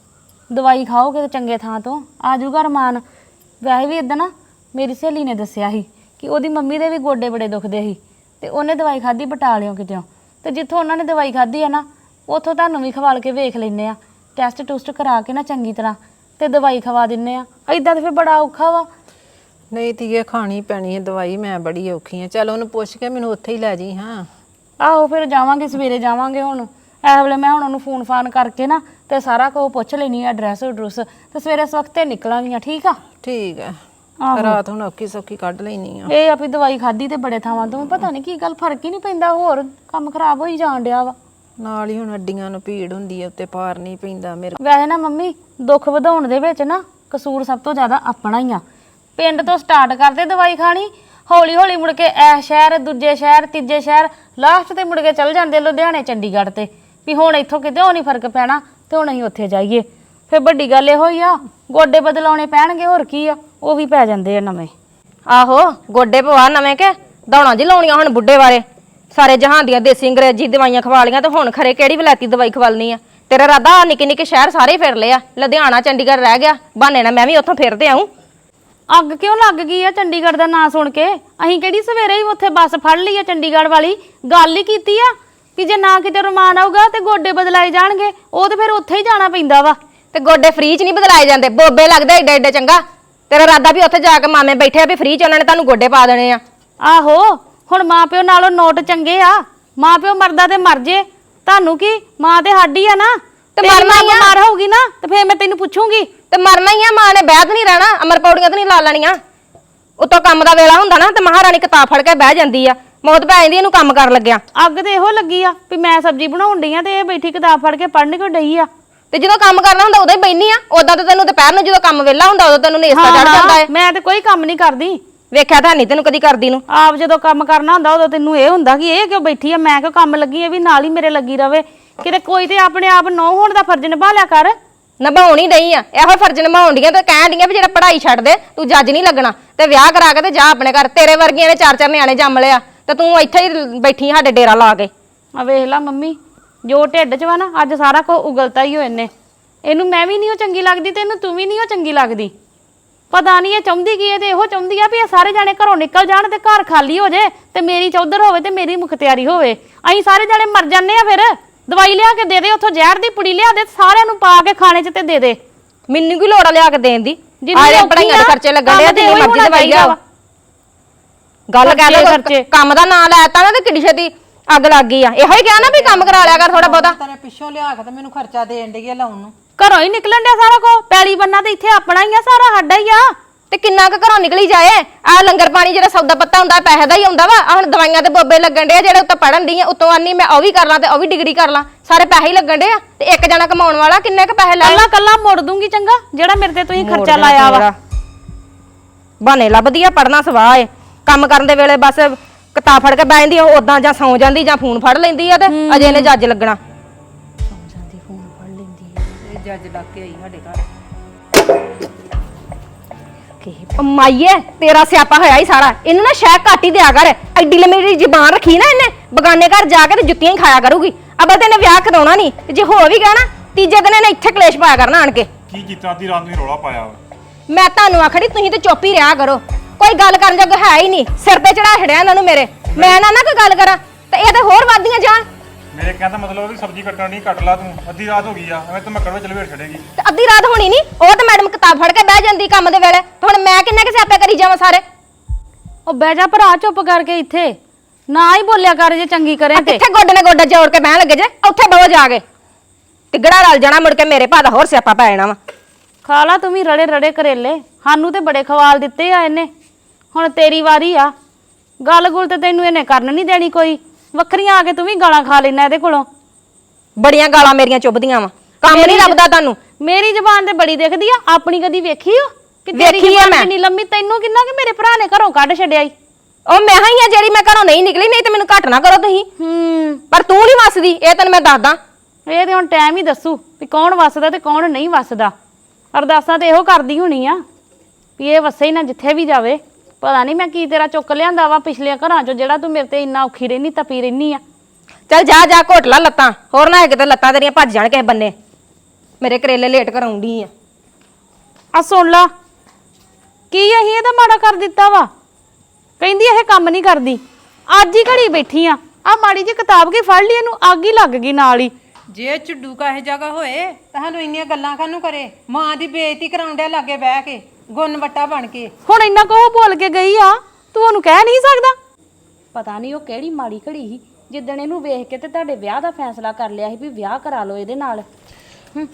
Speaker 1: ਦਵਾਈ ਖਾਓਗੇ ਤੇ ਚੰਗੇ ਥਾਂ ਤੋਂ ਆ ਜਾਊਗਾ ਰਮਾਨ। ਵੈਸੇ ਵੀ ਇਦਾਂ ਨਾ ਮੇਰੀ ਸਹੇਲੀ ਨੇ ਦੱਸਿਆ ਸੀ ਕਿ ਉਹਦੀ ਮੰਮੀ ਦੇ ਵੀ ਗੋਡੇ ਬੜੇ ਦੁਖਦੇ ਸੀ ਤੇ ਉਹਨੇ ਦਵਾਈ ਖਾਧੀ ਬਟਾਲਿਓਂ ਕਿਤੇੋਂ, ਤੇ ਜਿੱਥੋਂ ਉਹਨਾਂ ਨੇ ਦਵਾਈ ਖਾਧੀ ਆ ਨਾ ਉੱਥੋਂ ਤੁਹਾਨੂੰ ਵੀ ਖਵਾਲ ਕੇ ਵੇਖ ਲੈਨੇ ਆ, ਟੈਸਟ ਟੂਸਟ ਕਰਾ ਕੇ ਨਾ ਚੰਗੀ ਤਰ੍ਹਾਂ ਤੇ ਦਵਾਈ ਖਵਾ ਦਿੰਨੇ ਆ। ਇਦਾਂ ਤੇ ਫਿਰ ਬੜਾ ਔਖਾ ਵਾ।
Speaker 4: ਨਹੀਂ ਧੀਏ, ਖਾਣੀ ਪੈਣੀ ਹੈ ਦਵਾਈ, ਮੈਂ ਬੜੀ ਔਖੀ ਹਾਂ। ਚੱਲ ਉਹਨੂੰ ਪੁੱਛ ਕੇ ਮੈਨੂੰ ਉੱਥੇ ਹੀ ਲੈ ਜੀ। ਹਾਂ
Speaker 1: ਆਹੋ ਫਿਰ ਜਾਵਾਂਗੇ, ਸਵੇਰੇ ਜਾਵਾਂਗੇ। ਹੁਣ ਇਹ ਵੇਲੇ ਮੈਂ ਹੁਣ ਉਹਨੂੰ ਫੋਨ ਫਾਨ ਕਰਕੇ ਨਾ ਤੇ ਸਾਰਾ ਕੁਝ ਪੁੱਛ ਲੈਣੀ ਆ, ਐਡਰੈਸ ਐਡਰੈਸ, ਤੇ ਸਵੇਰੇ ਸਵਖਤੇ ਨਿਕਲਾਂਗੀਆਂ। ਠੀਕ ਆ?
Speaker 4: ਠੀਕ ਹੈ।
Speaker 1: ਆਹੋ।
Speaker 4: ਰਾਤ ਹੁਣ ਔਖੀ ਸੌਖੀ ਕੱਢ ਲੈਣੀ ਆ।
Speaker 1: ਇਹ ਆ ਵੀ ਦਵਾਈ ਖਾਧੀ ਤੇ ਬੜੇ ਥਾਵਾਂ ਤੋਂ ਪਤਾ ਨਹੀਂ ਕੀ ਗੱਲ, ਫਰਕ ਹੀ ਨਹੀਂ ਪੈਂਦਾ, ਹੋਰ ਕੰਮ ਖਰਾਬ ਹੋਈ ਜਾਣ ਡਿਆ ਵਾ।
Speaker 4: ਨਾਲ ਹੀ ਹੁਣ ਅੱਡੀਆਂ ਨੂੰ ਭੀੜ ਹੁੰਦੀ ਹੈ, ਉੱਤੇ ਭਾਰ ਨਹੀਂ ਪੈਂਦਾ ਮੇਰੇ।
Speaker 1: ਵੈਸੇ ਨਾ ਮੰਮੀ, ਦੁੱਖ ਵਧਾਉਣ ਦੇ ਵਿੱਚ ਨਾ ਕਸੂਰ ਸਭ ਤੋਂ ਜ਼ਿਆਦਾ ਆਪਣਾ ਹੀ ਆ। ਪਿੰਡ ਤੋਂ ਸਟਾਰਟ ਕਰਦੇ ਦਵਾਈ ਖਾਣੀ, ਹੌਲੀ ਹੌਲੀ ਮੁੜ ਕੇ ਇਹ ਸ਼ਹਿਰ, ਦੂਜੇ ਸ਼ਹਿਰ, ਤੀਜੇ ਸ਼ਹਿਰ, ਲਾਸਟ ਤੇ ਮੁੜ ਕੇ ਚੱਲ ਜਾਂਦੇ ਲੁਧਿਆਣੇ, ਚੰਡੀਗੜ੍ਹ ਤੇ ਵੀ ਹੁਣ ਇੱਥੋਂ ਕਿਤੇ ਉਹ ਨਹੀਂ ਫਰਕ ਪੈਣਾ ਤੇ ਹੁਣ ਅਸੀਂ ਉੱਥੇ ਜਾਈਏ। ਫਿਰ ਵੱਡੀ ਗੱਲ ਇਹੋ ਹੀ ਆ, ਗੋਡੇ ਬਦਲਾਉਣੇ ਪੈਣਗੇ, ਹੋਰ ਕੀ ਆ, ਉਹ ਵੀ ਪੈ ਜਾਂਦੇ ਆ ਨਵੇਂ।
Speaker 5: ਆਹੋ ਗੋਡੇ ਪਵਾ ਨਵੇਂ ਕੇ ਦੌੜਾਂ ਜੀ ਲਾਉਣੀਆਂ ਹੁਣ ਬੁੱਢੇ ਬਾਰੇ। ਸਾਰੇ ਜਹਾਨ ਦੀਆਂ ਦੇਸੀ ਅੰਗਰੇਜ਼ੀ ਦਵਾਈਆਂ ਖਵਾ ਲੀਆਂ ਤੇ ਹੁਣ ਖਰੇ ਕਿਹੜੀ ਵਲੈਤੀ ਦਵਾਈ ਖਵਾਲਣੀ ਆ। ਤੇਰਾ ਇਰਾਦਾ ਨਿੱਕੇ ਨਿੱਕੇ ਸ਼ਹਿਰ ਸਾਰੇ ਫਿਰ ਲਏ ਆ, ਲੁਧਿਆਣਾ ਚੰਡੀਗੜ੍ਹ ਰਹਿ ਗਿਆ, ਬਹਾਨੇ ਨਾਲ ਮੈਂ ਵੀ ਉੱਥੋਂ ਫਿਰਦੇ ਆਉਂ।
Speaker 1: ਅੱਗ ਕਿਉਂ ਲੱਗ ਗਈ ਆ ਚੰਡੀਗੜ੍ਹ ਦਾ ਨਾਂ ਸੁਣ ਕੇ? ਅਸੀਂ ਕਿਹੜੀ ਸਵੇਰੇ ਹੀ ਉੱਥੇ ਬੱਸ ਫੜ ਲਈ ਆ ਚੰਡੀਗੜ੍ਹ ਵਾਲੀ? ਗੱਲ ਹੀ ਕੀਤੀ ਆ ਕਿ ਜੇ ਨਾ ਕਿਤੇ ਰਮਾਨ ਆਊਗਾ ਤੇ ਗੋਡੇ ਬਦਲਾਏ ਜਾਣਗੇ, ਉਹ ਤੇ ਫਿਰ ਉੱਥੇ ਹੀ ਜਾਣਾ ਪੈਂਦਾ ਵਾ।
Speaker 5: ਤੇ ਗੋਡੇ ਫ੍ਰੀ ਚ ਨਹੀਂ ਬਦਲਾਏ ਜਾਂਦੇ, ਬੋਬੇ ਲੱਗਦੇ ਏਡੇ ਏਡੇ ਚੰਗਾ। ਤੇਰਾ ਇਰਾਦਾ ਵੀ ਉੱਥੇ ਜਾ ਕੇ ਮਾਮੇ ਬੈਠੇ ਆ ਵੀ ਫ੍ਰੀ ਚ ਉਹਨਾਂ ਨੇ ਤੁਹਾਨੂੰ ਗੋਡੇ ਪਾ ਦੇਣੇ ਆ।
Speaker 1: ਆਹੋ, ਹੁਣ ਮਾਂ ਪਿਓ ਨਾਲੋਂ ਨੋਟ ਚੰਗੇ ਆ। ਮਾਂ ਪਿਓ ਮਰਦਾ ਤੇ ਮਰ ਜੇ, ਤੁਹਾਨੂੰ ਕੀ, ਮਾਂ ਤੇ ਸਾਡੀ ਆ ਨਾ।
Speaker 5: ਤੇ ਮਰਨਾ ਹੀ ਆ।
Speaker 1: ਬਿਮਾਰ ਹੋਊਗੀ ਨਾ ਤੇ ਫੇਰ ਮੈਂ ਤੈਨੂੰ ਪੁੱਛੂੰਗੀ।
Speaker 5: ਤੇ ਮਰਨਾ ਹੀ ਆ, ਮਾਂ ਨੇ ਬਹਿਤ ਨਹੀਂ ਰਹਿਣਾ, ਅਮਰ ਪੌੜੀਆਂ ਤੇ ਨਹੀਂ ਲਾ ਲੈਣੀਆਂ। ਉਤੋਂ ਕੰਮ ਦਾ ਵੇਲਾ ਹੁੰਦਾ ਨਾ ਤੇ ਮਹਾਰਾਣੀ ਕਿਤਾਬ ਫੜ ਕੇ ਬਹਿ ਜਾਂਦੀ ਆ, ਮੌਤ ਪੈ ਜਾਂਦੀ ਇਹਨੂੰ ਕੰਮ ਕਰਨ ਲੱਗਿਆ।
Speaker 1: ਅੱਗ ਤੇ ਇਹੋ ਲੱਗੀ ਆ ਵੀ ਮੈਂ ਸਬਜ਼ੀ ਬਣਾਉਣ ਡਈ ਆ ਤੇ ਇਹ ਬੈਠੀ ਕਿਤਾਬ ਫੜ ਕੇ ਪੜ੍ਹਨ ਕਿਉਂ ਡਈ ਆ?
Speaker 5: ਤੇ ਜਦੋਂ ਕੰਮ ਕਰਨਾ ਹੁੰਦਾ ਉਦੋਂ ਹੀ ਬੈਣੀ ਆ, ਉਦਾਂ ਤਾਂ ਤੈਨੂੰ ਦੁਪਹਿਰ ਨੂੰ ਜਦੋਂ ਕੰਮ ਵਿਹਲਾ ਹੁੰਦਾ ਉਦੋਂ ਤੈਨੂੰ ਨੇਸਤਾ ਚੜ ਜਾਂਦਾ ਹੈ।
Speaker 1: ਮੈਂ ਤੇ ਕੋਈ ਕੰਮ ਨਹੀਂ ਕਰਦੀ,
Speaker 5: ਵੇਖਿਆ ਤਾਂ ਨਹੀਂ ਤੈਨੂੰ ਕਦੀ ਕਰਦੀ ਨੂੰ।
Speaker 1: ਆਪ ਜਦੋਂ ਕੰਮ ਕਰਨਾ ਹੁੰਦਾ ਉਦੋਂ ਤੈਨੂੰ ਇਹ ਹੁੰਦਾ ਕਿ ਇਹ ਕਿਉਂ ਬੈਠੀ ਆ, ਮੈਂ ਕਿਉਂ ਕੰਮ ਲੱਗੀ ਆ ਵੀ ਨਾਲ ਹੀ ਮੇਰੇ ਲੱਗੀ ਰਵੇ। ਕਿਤੇ ਕੋਈ ਤੇ ਆਪਣੇ ਆਪ ਨੌ ਹੋਣ ਦਾ ਫਰਜ਼ ਨਿਭਾ ਲਿਆ ਕਰ।
Speaker 5: ਨਿਭਾਉਣੀ ਨਹੀਂ ਆ, ਇਹੋ ਫਰਜ਼ ਨਿਭਾਉਣ ਡੀਆਂ ਤੇ ਕਹਿਣ ਡੀਆਂ ਵੀ ਜਿਹੜਾ ਪੜ੍ਹਾਈ ਛੱਡ ਦੇ, ਤੂੰ ਜੱਜ ਨਹੀਂ ਲੱਗਣਾ ਤੇ ਵਿਆਹ ਕਰਾ ਕੇ ਤੇ ਜਾ ਆਪਣੇ ਘਰ। ਤੇਰੇ ਵਰਗੀਆਂ ਨੇ ਚਾਰ ਚਾਰ ਨਿਆਣੇ ਜੰਮ ਲਿਆ ਤੇ ਤੂੰ ਇੱਥੇ ਹੀ ਬੈਠੀ ਸਾਡੇ ਡੇਰਾ ਲਾ ਕੇ।
Speaker 1: ਆ ਵੇਖ ਲਾ ਮੰਮੀ, ਜੋ ਢਿੱਡ 'ਚ ਵਾ ਨਾ ਅੱਜ ਸਾਰਾ ਕੁਝ ਉਗਲਤਾ ਹੀ ਹੋਏ ਨੇ। ਇਹਨੂੰ ਮੈਂ ਵੀ ਨਹੀਂ ਉਹ ਚੰਗੀ ਲੱਗਦੀ ਤੇ ਇਹਨੂੰ ਤੂੰ ਵੀ ਨਹੀਂ ਉਹ ਚੰਗੀ ਲੱਗਦੀ। ਪਤਾ ਨਹੀਂ ਇਹ ਚਾਹੁੰਦੀ ਕੀ ਹੈ, ਤੇ ਇਹੋ ਚਾਹੁੰਦੀ ਆ ਵੀ ਇਹ ਸਾਰੇ ਜਾਣੇ ਘਰੋਂ ਨਿਕਲ ਜਾਣ ਤੇ ਘਰ ਖਾਲੀ ਹੋ ਜੇ ਤੇ ਮੇਰੀ ਚੌਧਰ ਹੋਵੇ ਤੇ ਮੇਰੀ ਮੁਖਤਿਆਰੀ ਹੋਵੇ। ਅਸੀਂ ਸਾਰੇ ਜਾਣੇ ਮਰ ਜਾਂਦੇ ਆ। ਫਿਰ ਦਵਾਈ ਲਿਆ ਕੇ ਦੇ ਦੇ, ਉੱਥੋਂ ਜ਼ਹਿਰ ਦੀ ਪੁੜੀ ਲਿਆ ਦੇ, ਸਾਰਿਆਂ ਨੂੰ ਪਾ ਕੇ ਖਾਣੇ 'ਚ ਤੇ ਦੇ ਦੇ।
Speaker 5: ਮੈਨੂੰ ਕੀ ਲੋੜ ਆ ਲਿਆ ਕੇ ਦੇਣ ਦੀ?
Speaker 1: ਜਿੰਨੀ
Speaker 5: ਆਲੇ
Speaker 1: ਔਖੀ
Speaker 5: ਪੜਾਈਆਂ ਦੇ
Speaker 1: ਆ,
Speaker 5: ਖਰਚੇ ਲੱਗਣ ਦੇ
Speaker 1: ਕੰਮ ਤੇ
Speaker 5: ਜਿੰਨੀ
Speaker 1: ਉਹੀ
Speaker 5: ਮਰਜ਼ੀ
Speaker 1: ਹੋਣਾ
Speaker 5: ਦਵਾਈ
Speaker 1: ਚਾਹੀਦਾ
Speaker 5: ਲਿਆ। ਗੱਲ
Speaker 1: ਖਰਚੇ,
Speaker 5: ਕਹਿ
Speaker 1: ਖਰਚੇ।
Speaker 5: ਲੋ ਕੰਮ ਦਾ ਨਾਂ ਲੈਤਾ ਨਾ ਤੇ ਕਿੱਡੀ ਛੇਤੀ ਅੱਗ ਲੱਗ ਗਈ ਆ। ਇਹੋ ਹੀ ਕਿਹਾ ਨਾ ਵੀ ਕੰਮ ਕਰਾ ਲਿਆ ਕਰ ਥੋੜਾ ਬਹੁਤਾ।
Speaker 4: ਤੇਰੇ ਪਿੱਛੋਂ ਲਿਆ ਕੇ ਤੇ ਮੈਨੂੰ ਖਰਚਾ ਦੇਣ ਡਈ ਆ ਲਾਉਣ ਨੂੰ।
Speaker 1: ਘਰੋਂ ਹੀ ਨਿਕਲਣ ਡਿਆ ਸਾਰਾ ਕੁਝ, ਪੈਲੀ ਬੰਨਾ ਤੇ ਇੱਥੇ ਆਪਣਾ ਹੀ ਆ, ਸਾਰਾ ਸਾਡਾ ਹੀ ਆ।
Speaker 5: ਤੇ ਕਿੰਨਾ ਕੁ ਘਰੋਂ ਨਿਕਲੀ ਜਾਏ? ਆ ਲੰਗਰ ਪਾਣੀ ਜਿਹੜਾ ਸੌਦਾ ਪੱਤਾ ਹੁੰਦਾ ਪੈਸੇ ਦਾ ਹੀ ਆਉਂਦਾ ਵਾ। ਆ ਹੁਣ ਦਵਾਈਆਂ ਤੇ ਬੋਬੇ ਲੱਗਣ ਡੇ ਆ, ਜਿਹੜੇ ਉੱਤੇ ਪੜਨ ਦੀ ਆ, ਉਤੋਂ ਆਨੀ ਮੈਂ ਉਹ ਵੀ ਕਰ ਲਾਂ ਤੇ ਉਹ ਵੀ ਡਿਗਰੀ ਕਰ ਲਾਂ, ਸਾਰੇ ਪੈਸੇ ਹੀ ਲੱਗਣ ਡੇ ਆ। ਤੇ ਇੱਕ ਜਣਾ ਕਮਾਉਣ ਵਾਲਾ ਕਿੰਨੇ ਕੁ ਪੈਸੇ ਲੈ?
Speaker 1: ਕੱਲਾ ਕੱਲਾ ਮੋੜ ਦੂੰਗੀ ਚੰਗਾ, ਜਿਹੜਾ ਮੇਰੇ ਤੇ ਤੁਸੀਂ ਖਰਚਾ ਲਾਇਆ ਵਾ।
Speaker 5: ਬਹਾਨੇ ਲੱਭਦੀ ਆ, ਪੜਨਾ ਸਵਾਹ ਏ। ਕੰਮ ਕਰਨ ਦੇ ਵੇਲੇ ਬਸ ਕਿਤਾਬ ਫੜ ਕੇ ਬਹਿ ਜਾਂਦੀ, ਉਦਾਂ ਜਾਂ ਸੌਂ ਜਾਂਦੀ ਜਾਂ ਫੋਨ ਫੜ ਲੈਂਦੀ ਆ ਤੇ ਅਜੇ ਇਹਨੇ ਜੱਜ ਲੱਗਣਾ।
Speaker 3: ਇਹ ਜੱਜ ਲੱਗ ਕੇ ਆਈ ਸਾਡੇ ਘਰ।
Speaker 5: ਮਾਈਏ ਤੇਰਾ ਸਿਆਪਾ ਹੋਇਆ ਹੀ ਸਾਰਾ। ਇਹਨੂੰ ਨਾ ਸ਼ਾਇਦ ਘੱਟ ਹੀ ਦਿਆ ਕਰ, ਐਡੀ ਲੰਮੀ ਜ਼ਬਾਨ ਰੱਖੀ ਨਾ ਇਹਨੇ, ਬਗਾਨੇ ਘਰ ਜਾ ਕੇ ਤੇ ਜੁੱਤੀਆਂ ਹੀ ਖਾਇਆ ਕਰੂਗੀ। ਅਬਲ ਤੇ ਇਹਨੇ ਵਿਆਹ ਕਰਾਉਣਾ ਨਹੀਂ, ਤੇ ਜੇ ਹੋ ਵੀ ਗਿਆ ਨਾ ਤੀਜੇ ਦਿਨ ਇਹਨੇ ਇੱਥੇ ਕਲੇਸ਼ ਪਾਇਆ ਕਰਨਾ ਆਣ ਕੇ।
Speaker 6: ਕੀ ਕੀਤਾ ਅੱਧੀ ਰਾਤ ਨੂੰ ਹੀ ਰੌਲਾ ਪਾਇਆ ਵਾ?
Speaker 5: ਮੈਂ ਤੁਹਾਨੂੰ ਆਖੜੀ ਤੁਸੀਂ ਤੇ ਚੁੱਪ ਹੀ ਰਿਹਾ ਕਰੋ, ਕੋਈ ਗੱਲ ਕਰਨ ਜੋਗਾ ਹੈ ਹੀ ਨਹੀਂ। ਸਿਰ ਤੇ ਚੜਾ ਛੜਿਆ ਇਹਨਾਂ ਨੂੰ ਮੇਰੇ, ਮੈਂ ਨਾ ਨਾ ਕੋਈ ਗੱਲ ਕਰਾਂ ਤੇ ਇਹ ਤੇ ਹੋਰ ਵੱਧਦੀਆਂ ਜਾਣ।
Speaker 6: ਮੇਰੇ ਕਹਿਣ ਦਾ ਮਤਲਬ ਵੀ ਸਬਜ਼ੀ ਕੱਟਣ ਨਹੀਂ, ਕੱਟ ਲਾ ਤੂੰ। ਅੱਧੀ ਰਾਤ ਹੋ ਗਈ ਆ, ਐਵੇਂ ਤੂੰ ਮੱਕੜ ਵਿੱਚ ਲਵੇੜ ਛੜੇਗੀ।
Speaker 5: ਤੇ ਅੱਧੀ ਰਾਤ ਹੋਣੀ ਨਹੀਂ, ਉਹ ਤਾਂ ਮੈਡਮ ਕਿਤਾਬ ਫੜ ਕੇ ਬਹਿ ਜਾਂਦੀ ਕੰਮ ਦੇ ਵੇਲੇ, ਤੇ ਹੁਣ ਮੈਂ ਕਿੰਨੇ ਕਿ ਸਿਆਪੇ ਕਰੀ ਜਾਵਾਂ ਸਾਰੇ।
Speaker 1: ਉਹ ਬਹਿ ਜਾ ਭਰਾ ਚੁੱਪ ਕਰਕੇ, ਇੱਥੇ ਨਾ ਹੀ ਬੋਲਿਆ ਕਰ ਜੇ ਚੰਗੀ ਕਰੇ ਤੇ।
Speaker 5: ਕਿੱਥੇ ਗੋਡੇ ਨੇ ਗੋਡਾ ਜੋੜ ਕੇ ਬਹਿਣ ਲੱਗੇ ਜੇ, ਉੱਥੇ ਬਹੋ ਜਾ ਕੇ। ਤਿੱਗੜਾ ਰਲ ਜਾਣਾ, ਮੁੜ ਕੇ ਮੇਰੇ ਭਾ ਦਾ ਹੋਰ ਸਿਆਪਾ ਪੈ ਜਾਣਾ ਵਾ।
Speaker 1: ਖਾ ਲਾ ਤੂੰ ਵੀ ਰੜੇ ਰੜੇ ਕਰੇਲੇ, ਸਾਨੂੰ ਤੇ ਬੜੇ ਖਵਾਲ ਦਿੱਤੇ ਆ ਇਹਨੇ। ਹੁਣ ਤੇਰੀ ਵਾਰੀ ਆ। ਗੱਲ ਗੁਲ ਤੇ ਤੈਨੂੰ ਇਹਨੇ ਕਰਨ ਨਹੀਂ ਦੇਣੀ ਕੋਈ, ਵੱਖਰੀਆਂ ਆ ਕੇ ਤੂੰ ਵੀ ਗਾਲਾਂ ਖਾ ਲੈਣਾ ਇਹਦੇ ਕੋਲੋਂ।
Speaker 5: ਬੜੀਆਂ ਗਾਲਾਂ ਮੇਰੀਆਂ ਚੁੱਭਦੀਆਂ ਵਾ। ਕੰਮ ਨਹੀਂ ਲੱਭਦਾ ਤੁਹਾਨੂੰ।
Speaker 1: ਮੇਰੀ ਜ਼ਬਾਨ ਤੇ ਬੜੀ ਦਿਖਦੀ ਆ, ਆਪਣੀ ਕਦੀ ਵੇਖੀ ਓ ਕਿ ਤੇਰੀ
Speaker 5: ਵੇਖੀ ਆ
Speaker 1: ਜ਼ਬਾਨ
Speaker 5: ਮੈਂ।
Speaker 1: ਕਿੰਨੀ ਲੰਮੀ? ਤੈਨੂੰ ਕਿੰਨਾ ਕਿ ਮੇਰੇ ਭਰਾ ਨੇ ਘਰੋਂ ਕੱਢ ਛੱਡਿਆ ਈ।
Speaker 5: ਉਹ ਮੈਂ ਹੀ ਆ ਜਿਹੜੀ ਮੈਂ ਘਰੋਂ ਨਹੀਂ ਨਿਕਲੀ, ਨਹੀਂ ਤੇ ਮੈਨੂੰ ਘੱਟ ਨਾ ਕਰੋ ਤੁਸੀਂ।
Speaker 1: ਹੂੰ
Speaker 5: ਪਰ ਤੂੰ ਨਹੀਂ ਵਸਦੀ, ਇਹ ਤੈਨੂੰ ਮੈਂ ਦੱਸਦਾ।
Speaker 1: ਇਹ ਤੇ ਹੁਣ ਟਾਈਮ ਹੀ ਦੱਸੂ ਵੀ ਕੌਣ ਵੱਸਦਾ ਤੇ ਕੌਣ ਨਹੀਂ ਵੱਸਦਾ। ਅਰਦਾਸਾਂ ਤੇ ਇਹੋ ਕਰਦੀ ਹੋਣੀ ਆ ਵੀ ਇਹ ਵਸੇ ਹੀ ਨਾ ਜਿੱਥੇ ਵੀ ਜਾਵੇ। ਪਤਾ ਨਹੀਂ ਮੈਂ ਕੀ ਤੇਰਾ ਚੁੱਕ ਲਿਆਂਦਾ ਵਾ ਪਿਛਲੇ ਘਰਾਂ ਚੋਂ, ਜਿਹੜਾ ਤੂੰ ਮੇਰੇ ਤੇ ਇੰਨਾ ਔਖੀ ਰਹਿਨੀ ਤਪੀ ਰਹਿਨੀ ਆ।
Speaker 5: ਚੱਲ ਜਾ ਜਾ ਘੋਟ ਲਾ ਲੱਤਾਂ, ਹੋਰ ਨਾ ਕਿਤੇ ਲੱਤਾਂ ਤੇਰੀਆਂ ਭੱਜ ਜਾਣ ਕਿਸੇ ਬੰਨੇ। ਮੇਰੇ ਕਰੇਲੇ ਲੇਟ ਕਰਾਉਂਦੀ ਆ।
Speaker 1: ਆ ਸੁਣ ਲਾ, ਕੀ ਅਸੀਂ ਇਹਦਾ ਮਾੜਾ ਕਰ ਦਿੱਤਾ ਵਾ? ਕਹਿੰਦੀ ਇਹ ਕੰਮ ਨਹੀਂ ਕਰਦੀ। ਅੱਜ ਹੀ ਘੜੀ ਬੈਠੀ ਆ, ਆ ਮਾੜੀ ਜਿਹੀ ਕਿਤਾਬ ਕੇ ਫੜ ਲਈ, ਇਹਨੂੰ ਅੱਗ ਹੀ ਲੱਗ ਗਈ ਨਾਲ ਹੀ।
Speaker 4: ਜੇ ਝੁੱਡੂ ਕਾਹੇ ਜਗ੍ਹਾ ਹੋਏ ਤੁਹਾਨੂੰ ਇੰਨੀਆਂ ਗੱਲਾਂ ਕਾਹਨੂੰ ਕਰੇ? ਮਾਂ ਦੀ ਬੇਇੱਜ਼ਤੀ ਕਰਾਉਂਦਿਆ ਲਾਗੇ ਬਹਿ ਕੇ, ਗੁੰਨ ਵੱਟਾ ਬਣ ਕੇ।
Speaker 1: ਹੁਣ ਇੰਨਾ ਕੋ ਬੋਲ ਕੇ ਗਈ ਆ, ਤੂੰ ਉਹਨੂੰ ਕਹਿ ਨਹੀਂ ਸਕਦਾ? ਪਤਾ ਨਹੀਂ ਉਹ ਕਿਹੜੀ ਮਾੜੀ ਘੜੀ ਸੀ ਜਿੱਦਣ ਇਹਨੂੰ ਵੇਖ ਕੇ ਤੇ ਤੁਹਾਡੇ ਵਿਆਹ ਦਾ ਫੈਸਲਾ ਕਰ ਲਿਆ ਸੀ ਵੀ ਵਿਆਹ ਕਰਾ ਲਓ ਇਹਦੇ ਨਾਲ। ਹੂੰ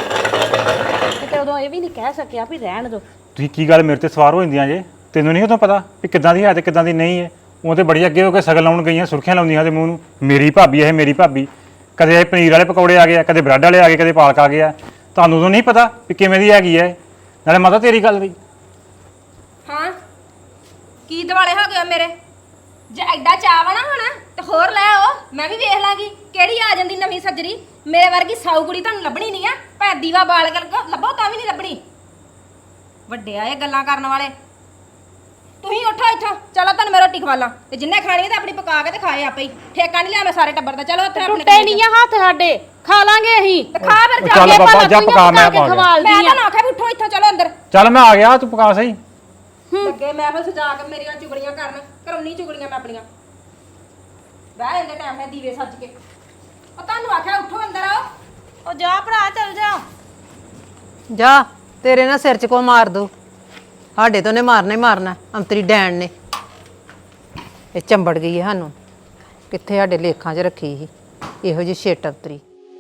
Speaker 1: ਤੇ ਉਦੋਂ ਇਹ ਵੀ ਨਹੀਂ ਕਹਿ ਸਕਿਆ ਵੀ ਰਹਿਣ ਦਿਓ।
Speaker 6: ਤੁਸੀਂ ਕੀ ਗੱਲ ਮੇਰੇ ਤੇ ਸਵਾਰ ਹੋ ਜਾਂਦੀਆਂ ਜੇ? ਤੈਨੂੰ ਨਹੀਂ ਉਦੋਂ ਪਤਾ ਵੀ ਕਿੱਦਾਂ ਦੀ ਹੈ ਤੇ ਕਿੱਦਾਂ ਦੀ ਨਹੀਂ ਹੈ? ਉਹ ਤੇ ਬੜੀ ਅੱਗੇ ਹੋ ਕੇ ਸਗਨ ਲਾਉਣ ਗਈਆਂ, ਸੁਰਖੀਆਂ ਲਾਉਂਦੀਆਂ ਤੇ ਮੂੰਹ ਨੂੰ, ਮੇਰੀ ਭਾਬੀ ਇਹ ਮੇਰੀ ਭਾਬੀ। ਕਦੇ ਇਹ ਪਨੀਰ ਵਾਲੇ ਪਕੌੜੇ ਆ ਗਏ ਆ, ਕਦੇ ਬ੍ਰੈਡ ਵਾਲੇ ਆ ਗਏ, ਕਦੇ ਪਾਲਕ ਆ ਗਿਆ। ਤੁਹਾਨੂੰ ਉਦੋਂ ਨਹੀਂ ਪਤਾ ਵੀ ਕਿਵੇਂ ਦੀ ਹੈਗੀ ਹੈ? ਨਾਲੇ ਮਾਤਾ ਤੇਰੀ ਗੱਲ ਦੀ
Speaker 5: ਹਾਂ ਕੀ ਦਿਵਾਲੇ ਹੋ ਗਏ ਮੇਰੇ? ਜੇ ਐਡਾ ਚਾਅ ਵਾ ਨਾ ਹੁਣ ਤੇ ਹੋਰ ਲੈ ਆਓ, ਮੈਂ ਵੀ ਵੇਖ ਲਾਂਗੀ ਕਿਹੜੀ ਆ ਜਾਂਦੀ ਨਵੀਂ ਸੱਜਰੀ। ਮੇਰੇ ਵਰਗੀ ਸਾਊ ਕੁੜੀ ਤੁਹਾਨੂੰ ਲੱਭਣੀ ਨਹੀਂ ਆ, ਭਾਵੇਂ ਦੀਵਾ ਬਾਲ ਕਰ ਲੱਭੋ ਤਾਂ ਵੀ ਨਹੀਂ ਲੱਭਣੀ। ਵੱਡੇ ਆਏ ਗੱਲਾਂ ਕਰਨ ਵਾਲੇ। ਤੁਸੀਂ ਉੱਠੋ ਇੱਥੋਂ, ਚਲੋ ਤੁਹਾਨੂੰ ਮੈਂ ਰੋਟੀ ਖਵਾ ਲਾਂ, ਤੇ ਜਿੰਨੇ ਖਾਣੀ ਤੇ ਆਪਣੀ ਪਕਾ ਕੇ ਤੇ ਖਾਏ ਆਪੇ ਹੀ। ਠੇਕਾ ਨਹੀਂ ਲਿਆ ਮੈਂ ਸਾਰੇ ਟੱਬਰ ਦਾ। ਚਲੋ ਉੱਥੇ ਆਪਣੇ
Speaker 1: ਟੁੱਟੇ ਨਹੀਂ ਆ ਹੱਥ ਸਾਡੇ, ਖਾ ਲਾਂਗੇ ਅਸੀਂ।
Speaker 5: ਤੇ ਖਾ ਫਿਰ ਜਾ
Speaker 6: ਚੱਲ
Speaker 5: ਕੇ
Speaker 6: ਬਾਬਾ ਜਾ ਪਕਾ, ਮੈਂ ਪਾ ਗਿਆ।
Speaker 5: ਮੈਂ ਤਾਂ ਨਾ ਆਖਿਆ ਵੀ ਉੱਠੋ ਇੱਥੋਂ, ਚਲੋ ਅੰਦਰ।
Speaker 6: ਚੱਲ ਮੈਂ ਆ ਗਿਆ, ਤੂੰ ਪਕਾ ਸਹੀ।
Speaker 5: ਲੱਗੇ ਮੈਂ ਫਿਰ ਸਜਾ ਕੇ ਮੇਰੀਆਂ ਚੁਗਲੀਆਂ ਕਰਨ, ਕਰਾਉਣੀ ਚੁਗਲੀਆਂ ਮੈਂ ਆਪਣੀਆਂ। ਬਹਿ ਜਾਂਦੇ ਟਾਈਮ ਨਾਲ ਦੀਵੇ ਸੱਜ ਕੇ। ਉਹ ਤੁਹਾਨੂੰ ਆਖਿਆ ਉੱਠੋ ਅੰਦਰ ਆਓ।
Speaker 1: ਉਹ ਜਾ ਭਰਾ, ਚੱਲ ਜਾ।
Speaker 4: ਜਾ, ਤੇਰੇ ਨਾਲ ਸਿਰ 'ਚ ਕੋ ਮਾਰ ਦੋ। ਸਾਡੇ ਤੋਂ ਨੇ ਮਾਰਨਾ ਹੀ ਮਾਰਨਾ, ਅੰਤਰੀ ਡੈਣ ਨੇ। ਇਹ ਚੰਬੜ ਗਈ ਹੈ ਸਾਨੂੰ, ਕਿੱਥੇ ਸਾਡੇ ਲੇਖਾਂ 'ਚ ਰੱਖੀ ਸੀ ਇਹੋ ਜਿਹੀ ਛੇਟ ਅੰਤਰੀ।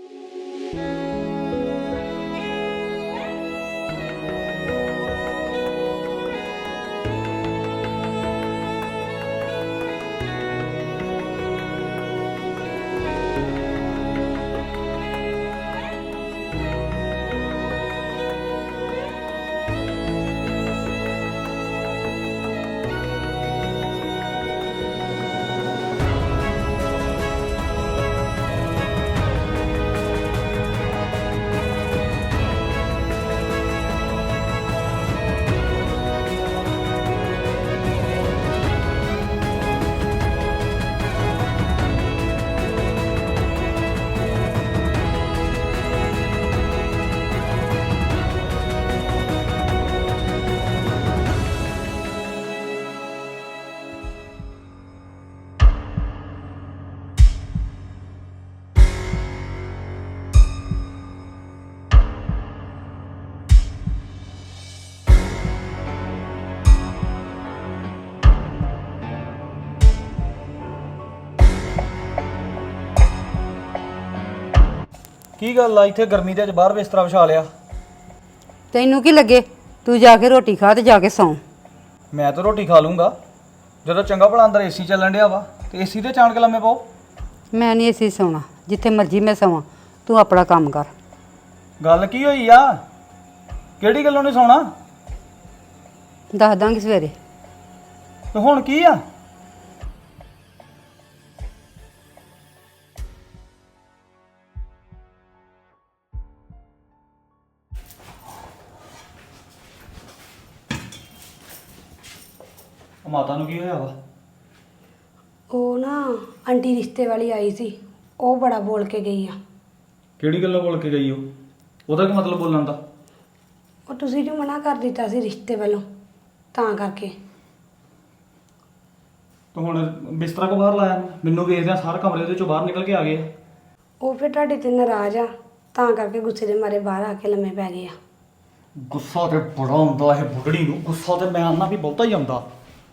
Speaker 7: ਕੀ ਗੱਲ ਆ, ਇੱਥੇ ਗਰਮੀ ਦੇ ਅੱਜ ਬਾਹਰ ਬਿਸਤਰਾ ਵਿਛਾ ਲਿਆ?
Speaker 3: ਤੈਨੂੰ ਕੀ ਲੱਗੇ? ਤੂੰ ਜਾ ਕੇ ਰੋਟੀ ਖਾ ਤੇ ਜਾ ਕੇ ਸੌਂ।
Speaker 7: ਮੈਂ ਤਾਂ ਰੋਟੀ ਖਾ ਲੂੰਗਾ, ਜਦੋਂ ਚੰਗਾ ਭਲਾ ਅੰਦਰ ਏਸੀ ਚੱਲਣ ਡਿਆ ਵਾ, ਤੇ ਏਸੀ ਤੇ ਚਾਣ ਕੇ ਲੰਮੇ ਪਾਓ।
Speaker 3: ਮੈਂ ਨਹੀਂ ਏਸੀ ਸੌਣਾ, ਜਿੱਥੇ ਮਰਜ਼ੀ ਮੈਂ ਸੌਵਾਂ। ਤੂੰ ਆਪਣਾ ਕੰਮ ਕਰ।
Speaker 7: ਗੱਲ ਕੀ ਹੋਈ ਆ? ਕਿਹੜੀ ਗੱਲੋਂ ਨਹੀਂ ਸੌਣਾ?
Speaker 3: ਦੱਸ ਦਾਂਗੀ ਸਵੇਰੇ।
Speaker 7: ਤੇ ਹੁਣ ਕੀ ਆ? ਮਾਤਾ ਨੂੰ ਕੀ ਹੋਇਆ ਵਾ?
Speaker 8: ਉਹ ਨਾ ਆਂਟੀ ਰਿਸ਼ਤੇ ਵਾਲੀ ਆਈ ਸੀ, ਉਹ ਬੜਾ ਬੋਲ ਕੇ ਗਈ ਆ।
Speaker 7: ਕਿਹੜੀ ਗੱਲੋਂ ਬੋਲ ਕੇ ਗਈ ਉਹ? ਉਹਦਾ ਕੀ ਮਤਲਬ ਬੋਲਣ ਦਾ?
Speaker 8: ਉਹ ਤੁਸੀਂ ਜੋ ਮਨਾ ਕਰ ਦਿੱਤਾ ਸੀ ਰਿਸ਼ਤੇ ਵੱਲੋਂ, ਤਾਂ ਕਰਕੇ।
Speaker 7: ਤੂੰ ਹੁਣ ਬਿਸਤਰਾ ਕੋ ਬਾਹਰ ਲਾਇਆ? ਮੈਨੂੰ ਵੇਖਦਿਆਂ ਸਾਰ ਕਮਰੇ ਦੇ ਚੋਂ ਬਾਹਰ ਨਿਕਲ ਕੇ ਆ ਗਏ ਆ।
Speaker 8: ਉਹ ਫਿਰ ਤੁਹਾਡੇ ਤੇ ਨਾਰਾਜ਼ ਆ, ਤਾਂ ਕਰਕੇ ਗੁੱਸੇ ਦੇ ਮਾਰੇ ਬਾਹਰ ਆ ਕੇ ਲੰਮੇ ਪੈ ਗਏ ਆ।
Speaker 7: ਗੁੱਸਾ ਤੇ ਬੜਾ ਆਉਂਦਾ ਇਹ ਬੁੱਢੜੀ ਨੂੰ, ਗੁੱਸਾ ਤੇ ਮੈਂ ਆਨਾ ਵੀ ਬਹੁਤਾ ਹੀ ਆਉਂਦਾ।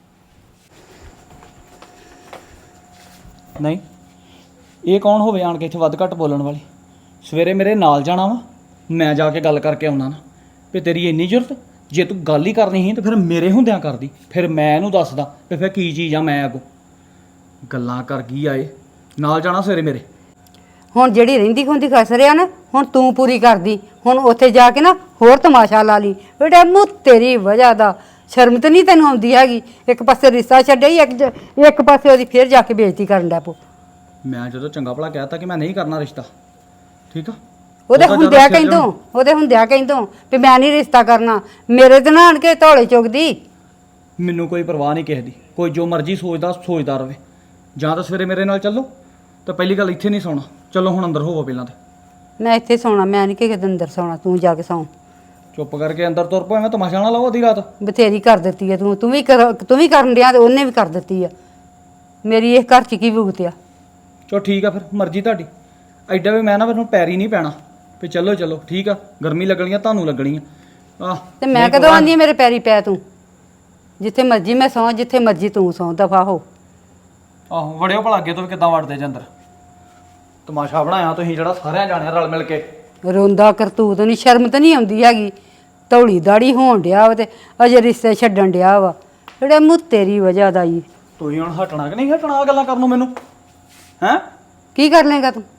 Speaker 7: ਨਹੀਂ, ਇਹ ਕੌਣ ਹੋਵੇ ਆਣ ਕੇ ਇੱਥੇ ਵੱਧ ਘੱਟ ਬੋਲਣ ਵਾਲੀ? ਸਵੇਰੇ ਮੇਰੇ ਨਾਲ ਜਾਣਾ ਵਾ, ਮੈਂ ਜਾ ਕੇ ਗੱਲ ਕਰਕੇ ਆਉਣਾ ਨਾ ਵੀ ਤੇਰੀ ਇੰਨੀ ਜ਼ਰੂਰਤ। ਜੇ ਤੂੰ ਗੱਲ ਹੀ ਕਰਨੀ ਸੀ ਤਾਂ ਫਿਰ ਮੇਰੇ ਹੁੰਦਿਆਂ ਕਰਦੀ, ਫਿਰ ਮੈਂ ਇਹਨੂੰ ਦੱਸਦਾ ਵੀ ਫਿਰ ਕੀ ਚੀਜ਼ ਆ। ਮੈਂ ਅੱਗੋਂ ਗੱਲਾਂ ਕਰ ਗਈ ਆਏ, ਨਾਲ ਜਾਣਾ ਸਵੇਰੇ ਮੇਰੇ।
Speaker 3: ਹੁਣ ਜਿਹੜੀ ਰਹਿੰਦੀ ਖੁੰਦੀ ਖਸਰ ਆ ਨਾ ਹੁਣ ਤੂੰ ਪੂਰੀ ਕਰਦੀ। ਹੁਣ ਉੱਥੇ ਜਾ ਕੇ ਨਾ ਹੋਰ ਤਮਾਸ਼ਾ ਲਾ ਲਈ ਬੇਟਾ ਮੂੰ ਤੇਰੀ ਵਜ੍ਹਾ ਦਾ। ਸ਼ਰਮ ਤਾਂ ਨਹੀਂ ਤੈਨੂੰ ਆਉਂਦੀ ਹੈਗੀ। ਇੱਕ ਪਾਸੇ ਰਿਸ਼ਤਾ ਛੱਡਿਆ ਹੀ ਇੱਕ ਜ- ਇੱਕ ਪਾਸੇ ਉਹਦੀ ਫੇਰ ਜਾ ਕੇ ਬੇਇੱਜ਼ਤੀ ਕਰਨ ਲੱਗ ਪੋ।
Speaker 7: ਮੈਂ ਜਦੋਂ ਚੰਗਾ ਭਲਾ ਕਹਿਤਾ ਕਿ ਮੈਂ ਨਹੀਂ ਕਰਨਾ ਰਿਸ਼ਤਾ, ਠੀਕ ਆ,
Speaker 3: ਉਹਦੇ
Speaker 7: ਉਹਦਾ
Speaker 3: ਹੁੰਦਿਆ
Speaker 7: ਜ਼ਿਆਦਾ ਸਿਰ
Speaker 3: ਕਹਿੰਦੋਂ ਉਹਦੇ ਹੁੰਦਿਆ ਕਹਿੰਦੋਂ ਵੀ ਮੈਂ ਨਹੀਂ ਰਿਸ਼ਤਾ ਕਰਨਾ। ਮੇਰੇ ਤੇ ਨਾ ਆਣ ਕੇ ਧੌਲੇ ਚੁਗਦੀ।
Speaker 7: ਮੈਨੂੰ ਕੋਈ ਪਰਵਾਹ ਨਹੀਂ ਕਿਸੇ ਦੀ, ਕੋਈ ਜੋ ਮਰਜ਼ੀ ਸੋਚਦਾ ਸੋਚਦਾ ਰਵੇ। ਜਾਂ ਤਾਂ ਸਵੇਰੇ ਮੇਰੇ ਨਾਲ ਚੱਲੋ, ਤਾਂ ਪਹਿਲੀ ਗੱਲ ਇੱਥੇ ਨਹੀਂ ਸੌਣਾ। ਚਲੋ ਹੁਣ ਅੰਦਰ ਹੋਵੋ ਪਹਿਲਾਂ ਤੇ।
Speaker 3: ਮੈਂ ਇੱਥੇ ਸੌਣਾ, ਮੈਂ ਨਹੀਂ ਕਿਸੇ ਦੇ ਅੰਦਰ ਸੌਣਾ। ਤੂੰ ਜਾ ਕੇ ਸੌਂ।
Speaker 7: ਚੁੱਪ ਕਰਕੇ ਅੰਦਰ ਤੁਰ ਪੋ, ਐਵੇਂ ਤਮਾਸ਼ਾ ਨਾ ਲਾਓ ਅੱਧੀ ਰਾਤ।
Speaker 3: ਬਥੇਰੀ ਕਰ ਦਿੱਤੀ ਆ ਤੂੰ ਤੂੰ ਵੀ ਕਰ ਤੂੰ ਵੀ ਕਰਨ ਡਿਆ ਤੇ ਉਹਨੇ ਵੀ ਕਰ ਦਿੱਤੀ ਆ। ਮੇਰੀ ਇਹ ਘਰ 'ਚ ਕੀ ਭੁਗਤਿਆ।
Speaker 7: ਚਲੋ ਠੀਕ ਆ, ਫਿਰ ਮਰਜ਼ੀ ਤੁਹਾਡੀ। ਐਡਾ ਵੀ ਮੈਂ ਨਾ ਮੈਨੂੰ ਪੈਰੀ ਨਹੀਂ ਪੈਣਾ ਵੀ ਚਲੋ ਚਲੋ ਠੀਕ ਆ। ਗਰਮੀ ਲੱਗਣੀ ਆ ਤੁਹਾਨੂੰ ਲੱਗਣੀ ਆ ਆਹ
Speaker 3: ਤੇ ਮੈਂ ਕਦੋਂ ਆਂਦੀ ਆ ਮੇਰੇ ਪੈਰੀ ਪੈ ਤੂੰ। ਜਿੱਥੇ ਮਰਜ਼ੀ ਮੈਂ ਸੌਂ, ਜਿੱਥੇ ਮਰਜ਼ੀ ਤੂੰ ਸੌਂ, ਦਫਾ ਹੋ।
Speaker 7: ਆਹੋ ਵੜਿਓ ਭਲਾ ਅੱਗੇ ਤੋਂ ਵੀ ਕਿੱਦਾਂ ਵੜਦੇ ਜੇ ਅੰਦਰ। ਤਮਾਸ਼ਾ ਬਣਾਇਆ ਤੁਸੀਂ ਜਿਹੜਾ ਸਾਰਿਆਂ ਜਾਣਿਆ ਰਲ ਮਿਲ ਕੇ।
Speaker 3: ਰੋਂਦਾ ਕਰਤੂਤ ਨਹੀਂ, ਸ਼ਰਮ ਤਾਂ ਨਹੀਂ ਆਉਂਦੀ ਹੈਗੀ। ਧੌਲੀ ਦਾੜੀ ਹੋਣ ਡਿਆ ਵਾ ਤੇ ਅਜੇ ਰਿਸ਼ਤੇ ਛੱਡਣ ਡਿਆ ਵਾ। ਜਿਹੜੇ ਮੂੰਹ ਤੇਰੀ ਵਜ੍ਹਾ ਦਾ ਹੀ।
Speaker 7: ਤੁਸੀਂ ਹੁਣ ਹਟਣਾ ਕਿ ਨਹੀਂ ਹਟਣਾ ਆਹ ਗੱਲਾਂ ਕਰਨ ਨੂੰ ਮੈਨੂੰ? ਹੈਂ
Speaker 3: ਕੀ ਕਰ ਲੇਗਾ ਤੂੰ?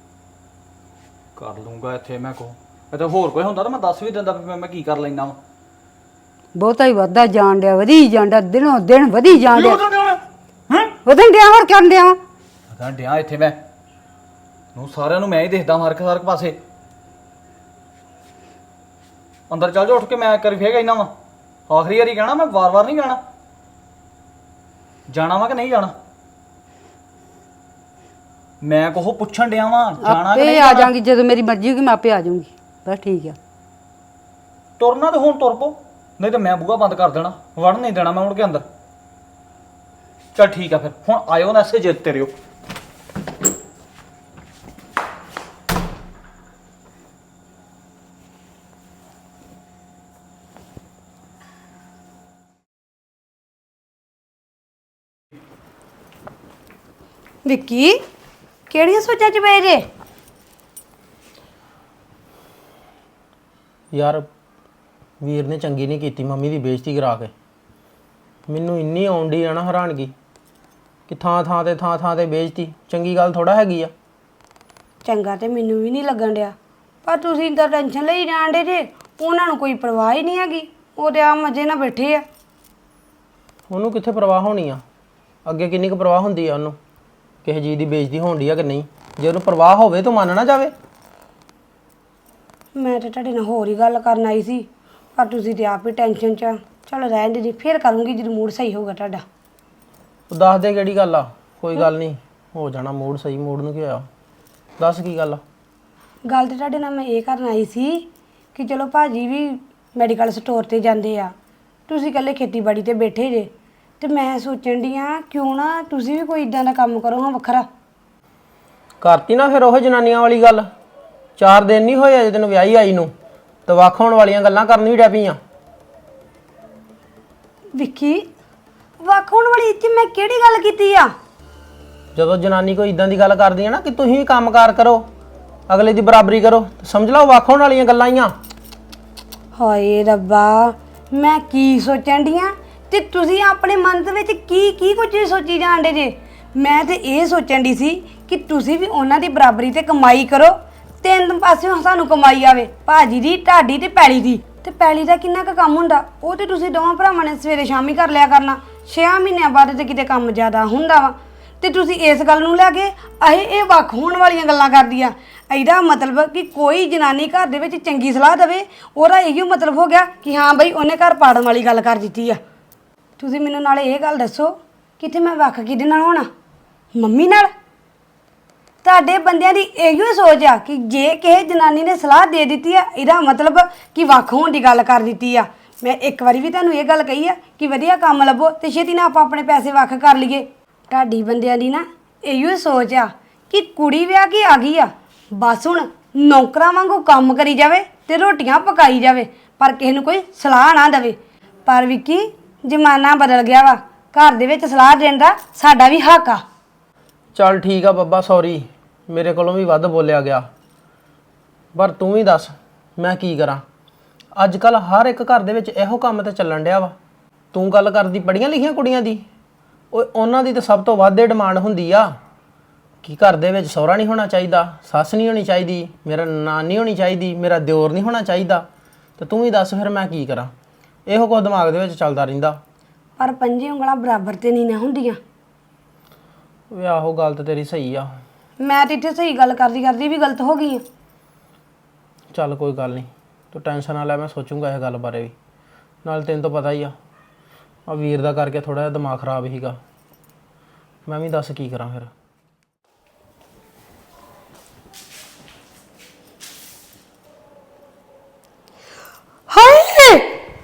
Speaker 7: ਕਰ ਲੂੰਗਾ ਇੱਥੇ ਮੈਂ ਕੋ ਇੱਥੇ ਹੋਰ ਕੋਈ ਹੁੰਦਾ ਤਾਂ ਮੈਂ ਦੱਸ ਵੀ ਦਿੰਦਾ ਵੀ ਮੈਂ ਮੈਂ ਕੀ ਕਰ ਲੈਣਾ ਵਾ।
Speaker 3: ਬਹੁਤਾ ਹੀ ਵੱਧਦਾ ਜਾਣ ਡਿਆ, ਵਧੀ ਜਾਂਦਾ, ਦਿਨੋਂ ਦਿਨ ਵਧੀ ਜਾਣ ਡਿਆ।
Speaker 7: ਹੈਂ
Speaker 3: ਵਧਣ ਡਿਆ ਹੋਰ ਕਰਨ ਡਿਆ ਵਾ।
Speaker 7: ਅਗਾਂ ਡਿਆ ਇੱਥੇ ਮੈਂ ਨੂੰ ਸਾਰਿਆਂ ਨੂੰ ਮੈਂ ਹੀ ਦੇਖਦਾ ਹਰ ਇੱਕ ਹਰ ਇੱਕ ਪਾਸੇ। ਅੰਦਰ ਚੱਲ ਜਾ ਉੱਠ ਕੇ, ਮੈਂ ਕਰੀ ਫੇਰ ਕਹਿਣਾ ਵਾ। ਆਖਰੀ ਵਾਰੀ ਕਹਿਣਾ, ਮੈਂ ਵਾਰ-ਵਾਰ ਨਹੀਂ ਕਹਿਣਾ। ਜਾਣਾ ਵਾ ਕਿ ਨਹੀਂ ਜਾਣਾ? ਮੈਂ ਕੋਹ ਪੁੱਛਣ ਡਿਆ ਵਾਂ ਜਾਣਾ ਕਿ
Speaker 3: ਆਪੇ
Speaker 7: ਨਹੀਂ
Speaker 3: ਆ
Speaker 7: ਜਾਣਾ।
Speaker 3: ਜਾਾਂਗੀ ਜਦੋਂ ਮੇਰੀ ਮਰਜ਼ੀ ਹੋਗੀ, ਮੈਂ ਆਪੇ ਆ ਜਾਊਂਗੀ। ਬਸ ਠੀਕ ਆ।
Speaker 7: ਤੁਰਨਾ ਤੇ ਹੁਣ ਤੁਰ ਪੋ, ਨਹੀਂ ਤੇ ਮੈਂ ਬੂਹਾ ਬੰਦ ਕਰ ਦੇਣਾ। ਵੜਨ ਨਹੀਂ ਦੇਣਾ ਮੈਂ ਮੁੜ ਕੇ ਅੰਦਰ। ਚੱਲ ਠੀਕ ਆ, ਫਿਰ ਹੁਣ ਆਇਓ ਨਾ ਐਸੇ ਜਿੱਤ ਤੇ ਰਿਓ।
Speaker 8: ਵਿੱਕੀ ਕਿਹੜੀਆਂ ਸੋਚਾਂ 'ਚ ਪਏ ਜੇ?
Speaker 9: ਯਾਰ ਵੀਰ ਨੇ ਚੰਗੀ ਨਹੀਂ ਕੀਤੀ ਮੰਮੀ ਦੀ ਬੇਇੱਜ਼ਤੀ ਕਰਾ ਕੇ। ਮੈਨੂੰ ਇੰਨੀ ਆਉਂਦੀ ਆ ਨਾ ਹੈਰਾਨਗੀ ਕਿ ਥਾਂ ਥਾਂ ਤੇ ਥਾਂ ਥਾਂ ਤੇ ਬੇਇੱਜ਼ਤੀ ਚੰਗੀ ਗੱਲ ਥੋੜਾ ਹੈਗੀ ਆ।
Speaker 8: ਚੰਗਾ ਤੇ ਮੈਨੂੰ ਵੀ ਨਹੀਂ ਲੱਗਣ ਡਿਆ, ਪਰ ਤੁਸੀਂ ਤਾਂ ਟੈਨਸ਼ਨ ਲਈ ਜਾਂਦੇ ਜੇ। ਉਹਨਾਂ ਨੂੰ ਕੋਈ ਪਰਵਾਹ ਹੀ ਨਹੀਂ ਹੈਗੀ। ਉਹ ਤੇ ਆ ਮਜ਼ੇ ਨਾਲ ਬੈਠੇ ਆ।
Speaker 9: ਉਹਨੂੰ ਕਿੱਥੇ ਪਰਵਾਹ ਹੋਣੀ ਆ? ਅੱਗੇ ਕਿੰਨੀ ਕੁ ਪਰਵਾਹ ਹੁੰਦੀ ਆ ਉਹਨੂੰ ਕਿਸੇ ਚੀਜ਼ ਦੀ ਬੇਇੱਜ਼ਤੀ ਹੋਣ ਡਈ ਆ ਕਿ ਨਹੀਂ? ਜੇ ਉਹਨੂੰ ਪਰਵਾਹ ਹੋਵੇ ਤਾਂ ਮੰਨ ਨਾ ਜਾਵੇ।
Speaker 8: ਮੈਂ ਤੇ ਤੁਹਾਡੇ ਨਾਲ ਹੋਰ ਹੀ ਗੱਲ ਕਰਨ ਆਈ ਸੀ, ਪਰ ਤੁਸੀਂ ਤੇ ਆਪ ਹੀ ਟੈਨਸ਼ਨ 'ਚ ਆ। ਚਲ ਰਹਿਣ ਦੇ ਜੀ, ਫੇਰ ਕਰੂੰਗੀ ਜਦੋਂ ਮੂਡ ਸਹੀ ਹੋਊਗਾ ਤੁਹਾਡਾ।
Speaker 9: ਉਹ ਦੱਸ ਦੇ ਕਿਹੜੀ ਗੱਲ ਆ। ਕੋਈ ਗੱਲ ਨਹੀਂ, ਹੋ ਜਾਣਾ ਮੂਡ ਸਹੀ। ਮੂਡ ਨੂੰ ਕੀ ਹੋਇਆ? ਦੱਸ ਕੀ ਗੱਲ ਆ।
Speaker 8: ਗੱਲ ਤੇ ਤੁਹਾਡੇ ਨਾਲ ਮੈਂ ਇਹ ਕਰਨ ਆਈ ਸੀ ਕਿ ਚਲੋ ਭਾਜੀ ਵੀ ਮੈਡੀਕਲ ਸਟੋਰ ਤੇ ਜਾਂਦੇ ਆ, ਤੁਸੀਂ ਇਕੱਲੇ ਖੇਤੀਬਾੜੀ ਤੇ ਬੈਠੇ ਜੇ, ਤੇ ਮੈਂ ਸੋਚਣ ਦੀ ਆ ਕਿਉਂ ਨਾ ਤੁਸੀਂ ਵੀ ਕੋਈ ਇਦਾਂ ਦਾ ਕੰਮ ਕਰੋ ਹਾਂ ਵੱਖਰਾ।
Speaker 9: ਕਰਤੀ ਨਾ ਫਿਰ ਉਹ ਜਨਾਨੀਆਂ ਵਾਲੀ ਗੱਲ। ਚਾਰ ਦਿਨ ਨਹੀਂ ਹੋਏ ਅਜੇ ਤੈਨੂੰ ਵਿਆਹੀ ਆਈ ਨੂੰ, ਤੇ ਵੱਖ ਹੋਣ ਵਾਲੀਆਂ ਗੱਲਾਂ ਕਰਨ ਵੀ ਡੈ ਪਈਆਂ।
Speaker 8: ਵਿੱਕੀ ਵੱਖ ਹੋਣ ਵਾਲੀ ਇੱਥੇ ਮੈਂ ਕਿਹੜੀ ਗੱਲ ਕੀਤੀ ਆ?
Speaker 9: ਜਦੋਂ ਜਨਾਨੀ ਕੋਈ ਇਦਾਂ ਦੀ ਗੱਲ ਕਰਦੀ ਹੈ ਨਾ ਕਿ ਤੁਸੀਂ ਕੰਮਕਾਰ ਕਰੋ, ਅਗਲੇ ਦੀ ਬਰਾਬਰੀ ਕਰੋ, ਤੇ ਸਮਝ ਲਓ ਵੱਖ ਹੋਣ ਵਾਲੀਆਂ ਗੱਲਾਂ ਹੀ ਆ।
Speaker 8: ਹਾਏ ਰੱਬਾ, ਮੈਂ ਕੀ ਸੋਚਣ ਦੀ ਆ ਤੇ ਤੁਸੀਂ ਆਪਣੇ ਮਨ ਦੇ ਵਿੱਚ ਕੀ ਕੀ ਕੁਝ ਸੋਚੀ ਜਾਂਦੇ ਜੇ। ਮੈਂ ਤੇ ਇਹ ਸੋਚਣ ਦੀ ਸੀ ਕਿ ਤੁਸੀਂ ਵੀ ਉਹਨਾਂ ਦੀ ਬਰਾਬਰੀ ਤੇ ਕਮਾਈ ਕਰੋ, ਤਿੰਨ ਪਾਸਿਓਂ ਸਾਨੂੰ ਕਮਾਈ ਆਵੇ, ਭਾਜੀ ਦੀ, ਢਾਡੀ ਤੇ ਪੈਲੀ ਦੀ। ਤੇ ਪੈਲੀ ਦਾ ਕਿੰਨਾ ਕੁ ਕੰਮ ਹੁੰਦਾ, ਉਹ ਤੇ ਤੁਸੀਂ ਦੋਵਾਂ ਭਰਾਵਾਂ ਨੇ ਸਵੇਰੇ ਸ਼ਾਮੀ ਕਰ ਲਿਆ ਕਰਨਾ। ਛੇ ਮਹੀਨਿਆਂ ਬਾਅਦ ਤੇ ਕਿਤੇ ਕੰਮ ਜ਼ਿਆਦਾ ਹੁੰਦਾ ਵਾ, ਤੇ ਤੁਸੀਂ ਇਸ ਗੱਲ ਨੂੰ ਲੈ ਕੇ ਅਹੇ ਇਹ ਵੱਖ ਹੋਣ ਵਾਲੀਆਂ ਗੱਲਾਂ ਕਰਦੀ ਆ। ਇਹਦਾ ਮਤਲਬ ਕਿ ਕੋਈ ਜਨਾਨੀ ਘਰ ਦੇ ਵਿੱਚ ਚੰਗੀ ਸਲਾਹ ਦੇਵੇ, ਉਹਦਾ ਇਹੋ ਮਤਲਬ ਹੋ ਗਿਆ ਕਿ ਹਾਂ ਬਈ ਉਹਨੇ ਘਰ ਪਾੜਨ ਵਾਲੀ ਗੱਲ ਕਰ ਦਿੱਤੀ ਆ। ਤੁਸੀਂ ਮੈਨੂੰ ਨਾਲੇ ਇਹ ਗੱਲ ਦੱਸੋ, ਕਿਤੇ ਮੈਂ ਵੱਖ ਕਿਹਦੇ ਨਾਲ ਹੋਣਾ? ਮੰਮੀ ਨਾਲ? ਤੁਹਾਡੇ ਬੰਦਿਆਂ ਦੀ ਇਹੋ ਸੋਚ ਆ ਕਿ ਜੇ ਕਿਸੇ ਜਨਾਨੀ ਨੇ ਸਲਾਹ ਦੇ ਦਿੱਤੀ ਆ, ਇਹਦਾ ਮਤਲਬ ਕਿ ਵੱਖ ਹੋਣ ਦੀ ਗੱਲ ਕਰ ਦਿੱਤੀ ਆ। ਮੈਂ ਇੱਕ ਵਾਰੀ ਵੀ ਤੁਹਾਨੂੰ ਇਹ ਗੱਲ ਕਹੀ ਆ ਕਿ ਵਧੀਆ ਕੰਮ ਲੱਭੋ ਤੇ ਛੇਤੀ ਨਾਲ ਆਪਾਂ ਆਪਣੇ ਪੈਸੇ ਵੱਖ ਕਰ ਲਈਏ। ਤੁਹਾਡੀ ਬੰਦਿਆਂ ਦੀ ਨਾ ਇਹੋ ਸੋਚ ਆ ਕਿ ਕੁੜੀ ਵਿਆਹ ਕੇ ਆ ਗਈ ਆ, ਬਸ ਹੁਣ ਨੌਕਰਾਂ ਵਾਂਗੂ ਕੰਮ ਕਰੀ ਜਾਵੇ ਤੇ ਰੋਟੀਆਂ ਪਕਾਈ ਜਾਵੇ, ਪਰ ਕਿਸੇ ਨੂੰ ਕੋਈ ਸਲਾਹ ਨਾ ਦੇਵੇ। ਪਰ ਵਿੱਕੀ ਜ਼ਮਾਨਾ ਬਦਲ ਗਿਆ ਵਾ, ਘਰ ਦੇ ਵਿੱਚ ਸਲਾਹ ਦੇਣ ਦਾ ਸਾਡਾ ਵੀ ਹੱਕ ਆ।
Speaker 9: ਚੱਲ ਠੀਕ ਆ ਬੱਬਾ, ਸੌਰੀ, ਮੇਰੇ ਕੋਲੋਂ ਵੀ ਵੱਧ ਬੋਲਿਆ ਗਿਆ। ਪਰ ਤੂੰ ਵੀ ਦੱਸ ਮੈਂ ਕੀ ਕਰਾਂ? ਅੱਜ ਕੱਲ ਹਰ ਇੱਕ ਘਰ ਦੇ ਵਿੱਚ ਇਹੋ ਕੰਮ ਤੇ ਚੱਲਣ ਡਿਆ ਵਾ। ਤੂੰ ਗੱਲ ਕਰਦੀ ਪੜ੍ਹੀਆਂ ਲਿਖੀਆਂ ਕੁੜੀਆਂ ਦੀ, ਉਹ ਉਹਨਾਂ ਦੀ ਤਾਂ ਸਭ ਤੋਂ ਵੱਧ ਡਿਮਾਂਡ ਹੁੰਦੀ ਆ। ਕੀ ਘਰ ਦੇ ਵਿੱਚ ਸਹੁਰਾ ਨਹੀਂ ਹੋਣਾ ਚਾਹੀਦਾ, ਸੱਸ ਨਹੀਂ ਹੋਣੀ ਚਾਹੀਦੀ, ਮੇਰਾ ਨਾਨੀ ਨਹੀਂ ਹੋਣੀ ਚਾਹੀਦੀ, ਮੇਰਾ ਦਿਓਰ ਨਹੀਂ ਹੋਣਾ ਚਾਹੀਦਾ, ਤੇ ਤੂੰ ਹੀ ਦੱਸ ਫਿਰ ਮੈਂ ਕੀ ਕਰਾਂ। ਇਹੋ ਕੁਝ ਦਿਮਾਗ ਦੇ ਵਿੱਚ ਚੱਲਦਾ ਰਹਿੰਦਾ।
Speaker 8: ਪਰ ਪੰਜੇ ਉਂਗਲਾਂ ਬਰਾਬਰ ਤੇ ਨਹੀਂ ਨਾ ਹੁੰਦੀਆਂ।
Speaker 9: ਵੇ ਆਹੋ ਗੱਲ ਤਾਂ ਤੇਰੀ ਸਹੀ ਆ।
Speaker 8: ਮੈਂ ਤੇ ਇੱਥੇ ਸਹੀ ਗੱਲ ਕਰਦੀ ਕਰਦੀ ਵੀ ਗਲਤ ਹੋ ਗਈ ਆ।
Speaker 9: ਚੱਲ ਕੋਈ ਗੱਲ ਨਹੀਂ, ਤੂੰ ਟੈਨਸ਼ਨ ਨਾ ਲੈ, ਮੈਂ ਸੋਚੂੰਗਾ ਇਹ ਗੱਲ ਬਾਰੇ ਵੀ। ਨਾਲ ਤੈਨੂੰ ਤਾਂ ਪਤਾ ਹੀ ਆ, ਆ ਵੀਰ ਦਾ ਕਰਕੇ ਥੋੜਾ ਜਿਹਾ ਦਿਮਾਗ ਖਰਾਬ ਸੀਗਾ। ਮੈਂ ਵੀ ਦੱਸ ਕੀ ਕਰਾਂ ਫਿਰ।
Speaker 8: ਹਾਏ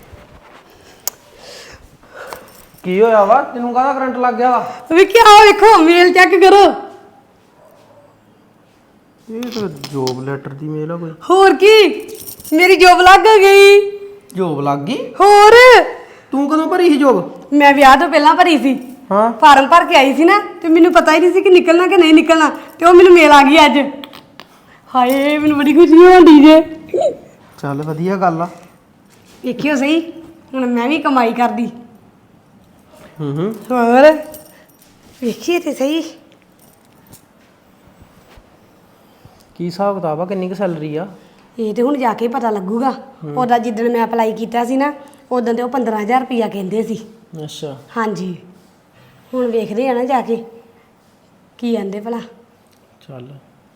Speaker 9: ਕੀ ਹੋਇਆ ਵਾ ਤੈਨੂੰ? ਕਾਹਦਾ ਕਰੰਟ ਲੱਗ ਗਿਆ ਵਾ?
Speaker 8: ਵੀ ਕੀ ਆ ਵੇਖੋ, ਮੇਲ ਚੈੱਕ ਕਰੋ।
Speaker 9: ਇਹ ਤਾਂ ਜੋਬ ਲੈਟਰ ਦੀ ਮੇਲ ਆ ਕੋਈ।
Speaker 8: ਹੋਰ ਕੀ, ਮੇਰੀ ਜੋਬ ਲੱਗ ਗਈ।
Speaker 9: ਜੋਬ ਲੱਗ ਗਈ?
Speaker 8: ਹੋਰ
Speaker 9: ਤੂੰ ਕਦੋਂ ਭਰੀ ਸੀ ਜੋਬ?
Speaker 8: ਮੈਂ ਵਿਆਹ ਤੋਂ ਪਹਿਲਾਂ ਭਰੀ ਸੀ।
Speaker 9: ਹਾਂ
Speaker 8: ਫਾਰਮ ਭਰ ਕੇ ਆਈ ਸੀ ਨਾ, ਤੇ ਮੈਨੂੰ ਪਤਾ ਹੀ ਨਹੀਂ ਸੀ ਕਿ ਨਿਕਲਣਾ ਕਿ ਨਹੀਂ ਨਿਕਲਣਾ, ਤੇ ਉਹ ਮੈਨੂੰ ਮੇਲ ਆ ਗਈ ਅੱਜ। ਹਾਏ ਮੈਨੂੰ ਬੜੀ ਖੁਸ਼ੀ ਹੋਣੀ ਜੇ।
Speaker 9: ਚੱਲ ਵਧੀਆ ਗੱਲ ਆ।
Speaker 8: ਵੇਖਿਓ ਸਹੀ, ਹੁਣ ਮੈਂ ਵੀ ਕਮਾਈ ਕਰਦੀ।
Speaker 9: ਹੂੰ ਹੂੰ
Speaker 8: ਹੋਰ ਵੇਖੀਏ ਤੇ ਸਹੀ।
Speaker 9: ਕੀ ਹਿਸਾਬ ਕਿਤਾਬ ਆ? ਕਿੰਨੀ ਕੁ ਸੈਲਰੀ ਆ?
Speaker 8: ਇਹ ਤੇ ਹੁਣ ਜਾ ਕੇ ਪਤਾ ਲੱਗੂਗਾ। ਉਹਦਾ ਜਿੱਦਣ ਮੈਂ ਅਪਲਾਈ ਕੀਤਾ ਸੀ ਨਾ, ਉਦੋਂ ਤੇ ਉਹ ਪੰਦਰਾਂ ਹਜ਼ਾਰ ਰੁਪਈਆ ਕਹਿੰਦੇ ਸੀ।
Speaker 9: ਅੱਛਾ
Speaker 8: ਹਾਂਜੀ, ਹੁਣ ਵੇਖਦੇ ਆ ਨਾ ਜਾ ਕੇ ਕੀ ਆਂਦੇ ਭਲਾ।
Speaker 9: ਚੱਲ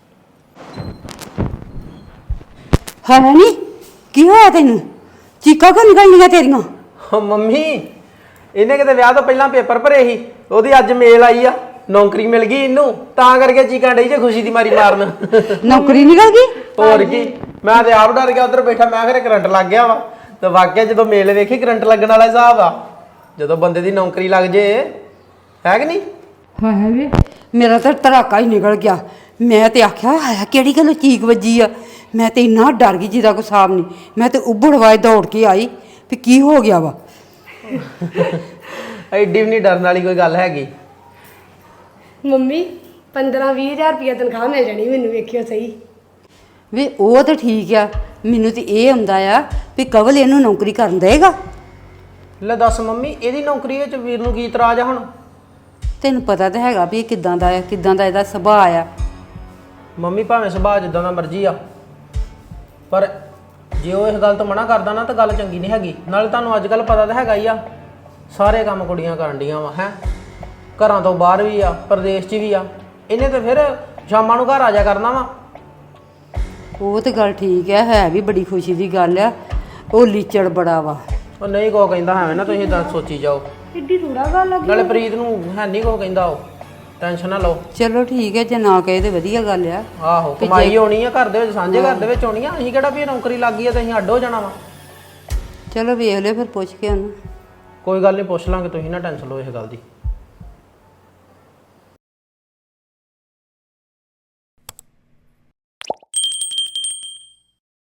Speaker 3: ਹੈ ਨਹੀਂ ਕੀ ਹੋਇਆ ਤੈਨੂੰ? ਚੀਕਾਂ ਕਿਉਂ ਨਿਕਲਣੀਆਂ ਤੇਰੀਆਂ?
Speaker 9: ਓ ਮੰਮੀ, ਇਹਨੇ ਕਿਤੇ ਵਿਆਹ ਤੋਂ ਪਹਿਲਾਂ ਪੇਪਰ ਭਰੇ ਸੀ, ਉਹਦੀ ਅੱਜ ਮੇਲ ਆਈ ਆ, ਨੌਕਰੀ ਮਿਲ ਗਈ ਇਹਨੂੰ, ਤਾਂ ਕਰਕੇ ਚੀਕਾਂ ਡਈ ਜੇ ਖੁਸ਼ੀ ਦੀ ਮਾਰੀ ਮਾਰਨ।
Speaker 3: ਨੌਕਰੀ ਨਿਕਲ ਗਈ?
Speaker 9: ਹੋਰ ਕੀ, ਮੈਂ ਤੇ ਆਪ ਡਰ ਗਿਆ ਉਧਰ ਬੈਠਾ, ਮੈਂ ਕਿਹਾ ਕਰੰਟ ਲੱਗ ਗਿਆ ਵਾ। ਤੇ ਵਾਕਿਆ ਜਦੋਂ ਮੇਲ ਵੇਖੀ ਕਰੰਟ ਲੱਗਣ ਵਾਲਾ ਹਿਸਾਬ ਆ। ਜਦੋਂ ਬੰਦੇ ਦੀ ਨੌਕਰੀ ਲੱਗ ਜੇ, ਹੈ ਕਿ ਨਹੀਂ?
Speaker 3: ਹਾਏ ਵੇ ਮੇਰਾ ਤਾਂ ਧੜਾਕਾ ਹੀ ਨਿਕਲ ਗਿਆ। ਮੈਂ ਤੇ ਆਖਿਆ ਹਾਇਆ ਕਿਹੜੀ ਗੱਲ ਚੀਕ ਵੱਜੀ ਆ। ਮੈਂ ਤੇ ਇੰਨਾ ਡਰ ਗਈ ਜਿਹਦਾ ਕੋਈ ਹਿਸਾਬ ਨਹੀਂ। ਮੈਂ ਤੇ ਉੱਭੜਵਾਏ ਦੌੜ ਕੇ ਆਈ ਵੀ ਕੀ ਹੋ ਗਿਆ ਵਾ।
Speaker 9: ਐਡੀ ਵੀ ਨਹੀਂ ਡਰਨ ਵਾਲੀ ਕੋਈ ਗੱਲ ਹੈਗੀ।
Speaker 8: ਮੰਮੀ ਪੰਦਰਾਂ ਵੀਹ ਹਜ਼ਾਰ ਰੁਪਈਆ ਤਨਖਾਹ ਮਿਲ ਜਾਣੀ ਮੈਨੂੰ, ਵੇਖਿਓ ਸਹੀ।
Speaker 3: ਵੇ ਉਹ ਤਾਂ ਠੀਕ ਆ, ਮੈਨੂੰ ਤੇ ਇਹ ਹੁੰਦਾ ਆ ਵੀ ਕਵਲ ਇਹਨੂੰ ਨੌਕਰੀ ਕਰਨ ਦੇਗਾ।
Speaker 9: ਲੈ ਦੱਸ ਮੰਮੀ, ਇਹਦੀ ਨੌਕਰੀ ਵਿੱਚ ਵੀਰ ਨੂੰ ਕੀ ਇਤਰਾਜ਼ ਆ ਹੁਣ?
Speaker 3: ਤੈਨੂੰ ਪਤਾ ਤਾਂ ਹੈਗਾ ਵੀ ਇਹ ਕਿੱਦਾਂ ਦਾ ਆ, ਕਿੱਦਾਂ ਦਾ ਇਹਦਾ ਸੁਭਾਅ ਆ।
Speaker 9: ਮੰਮੀ ਭਾਵੇਂ ਸੁਭਾਅ ਜਿੱਦਾਂ ਦਾ ਮਰਜ਼ੀ ਆ, ਪਰ ਜੇ ਉਹ ਇਸ ਗੱਲ ਤੋਂ ਮਨਾ ਕਰਦਾ ਨਾ ਤਾਂ ਗੱਲ ਚੰਗੀ ਨਹੀਂ ਹੈਗੀ। ਨਾਲੇ ਤੁਹਾਨੂੰ ਅੱਜ ਕੱਲ ਪਤਾ ਤਾਂ ਹੈਗਾ ਹੀ ਆ, ਸਾਰੇ ਕੰਮ ਕੁੜੀਆਂ ਕਰਨ ਡੀਆਂ ਵਾ। ਹੈ ਘਰਾਂ ਤੋਂ ਬਾਹਰ ਵੀ ਆ, ਪ੍ਰਦੇਸ਼ 'ਚ ਵੀ ਆ। ਇਹਨੇ ਤਾਂ ਫਿਰ ਸ਼ਾਮਾਂ ਨੂੰ ਘਰ ਆ ਜਾ ਕਰਨਾ ਵਾ।
Speaker 3: ਉਹ ਤੇ ਗੱਲ ਠੀਕ ਆ, ਹੈ ਵੀ ਬੜੀ ਖੁਸ਼ੀ ਦੀ ਗੱਲ ਆ। ਉਹ ਲੀਚੜ ਬੜਾ ਵਾ।
Speaker 9: ਉਹ ਨਹੀਂ ਕੋ ਕਹਿੰਦਾ ਐਵੇਂ ਨਾ ਤੁਸੀਂ ਇਦਾਂ ਸੋਚੀ ਜਾਓ।
Speaker 8: ਏਡੀ ਥੋੜਾ ਗੱਲ ਆ।
Speaker 9: ਨਾਲੇ ਪ੍ਰੀਤ ਨੂੰ ਹੈ ਨਹੀਂ ਕੋ ਕਹਿੰਦਾ, ਉਹ ਟੈਨਸ਼ਨ ਨਾ ਲਓ।
Speaker 3: ਚਲੋ ਠੀਕ ਹੈ, ਜੇ ਨਾ ਕਹੇ ਤੇ ਵਧੀਆ ਗੱਲ ਆ।
Speaker 9: ਆਹੋ ਕਮਾਈ ਹੋਣੀ ਆ ਘਰ ਦੇ ਵਿੱਚ, ਸਾਂਝੇ ਘਰ ਦੇ ਵਿੱਚ ਹੋਣੀ ਆ। ਅਸੀਂ ਕਿਹੜਾ ਵੀ ਨੌਕਰੀ ਲੱਗ ਗਈ ਆ ਤੇ ਅਸੀਂ ਅੱਡ ਹੋ ਜਾਣਾ ਵਾ।
Speaker 3: ਚਲੋ ਵੇਖ ਲਿਓ ਫਿਰ ਪੁੱਛ ਕੇ ਉਹਨੂੰ।
Speaker 9: ਕੋਈ ਗੱਲ ਨਹੀਂ, ਪੁੱਛ ਲਾਂਗੇ, ਤੁਸੀਂ ਨਾ ਟੈਨਸ਼ਨ ਲਓ ਇਸ ਗੱਲ ਦੀ।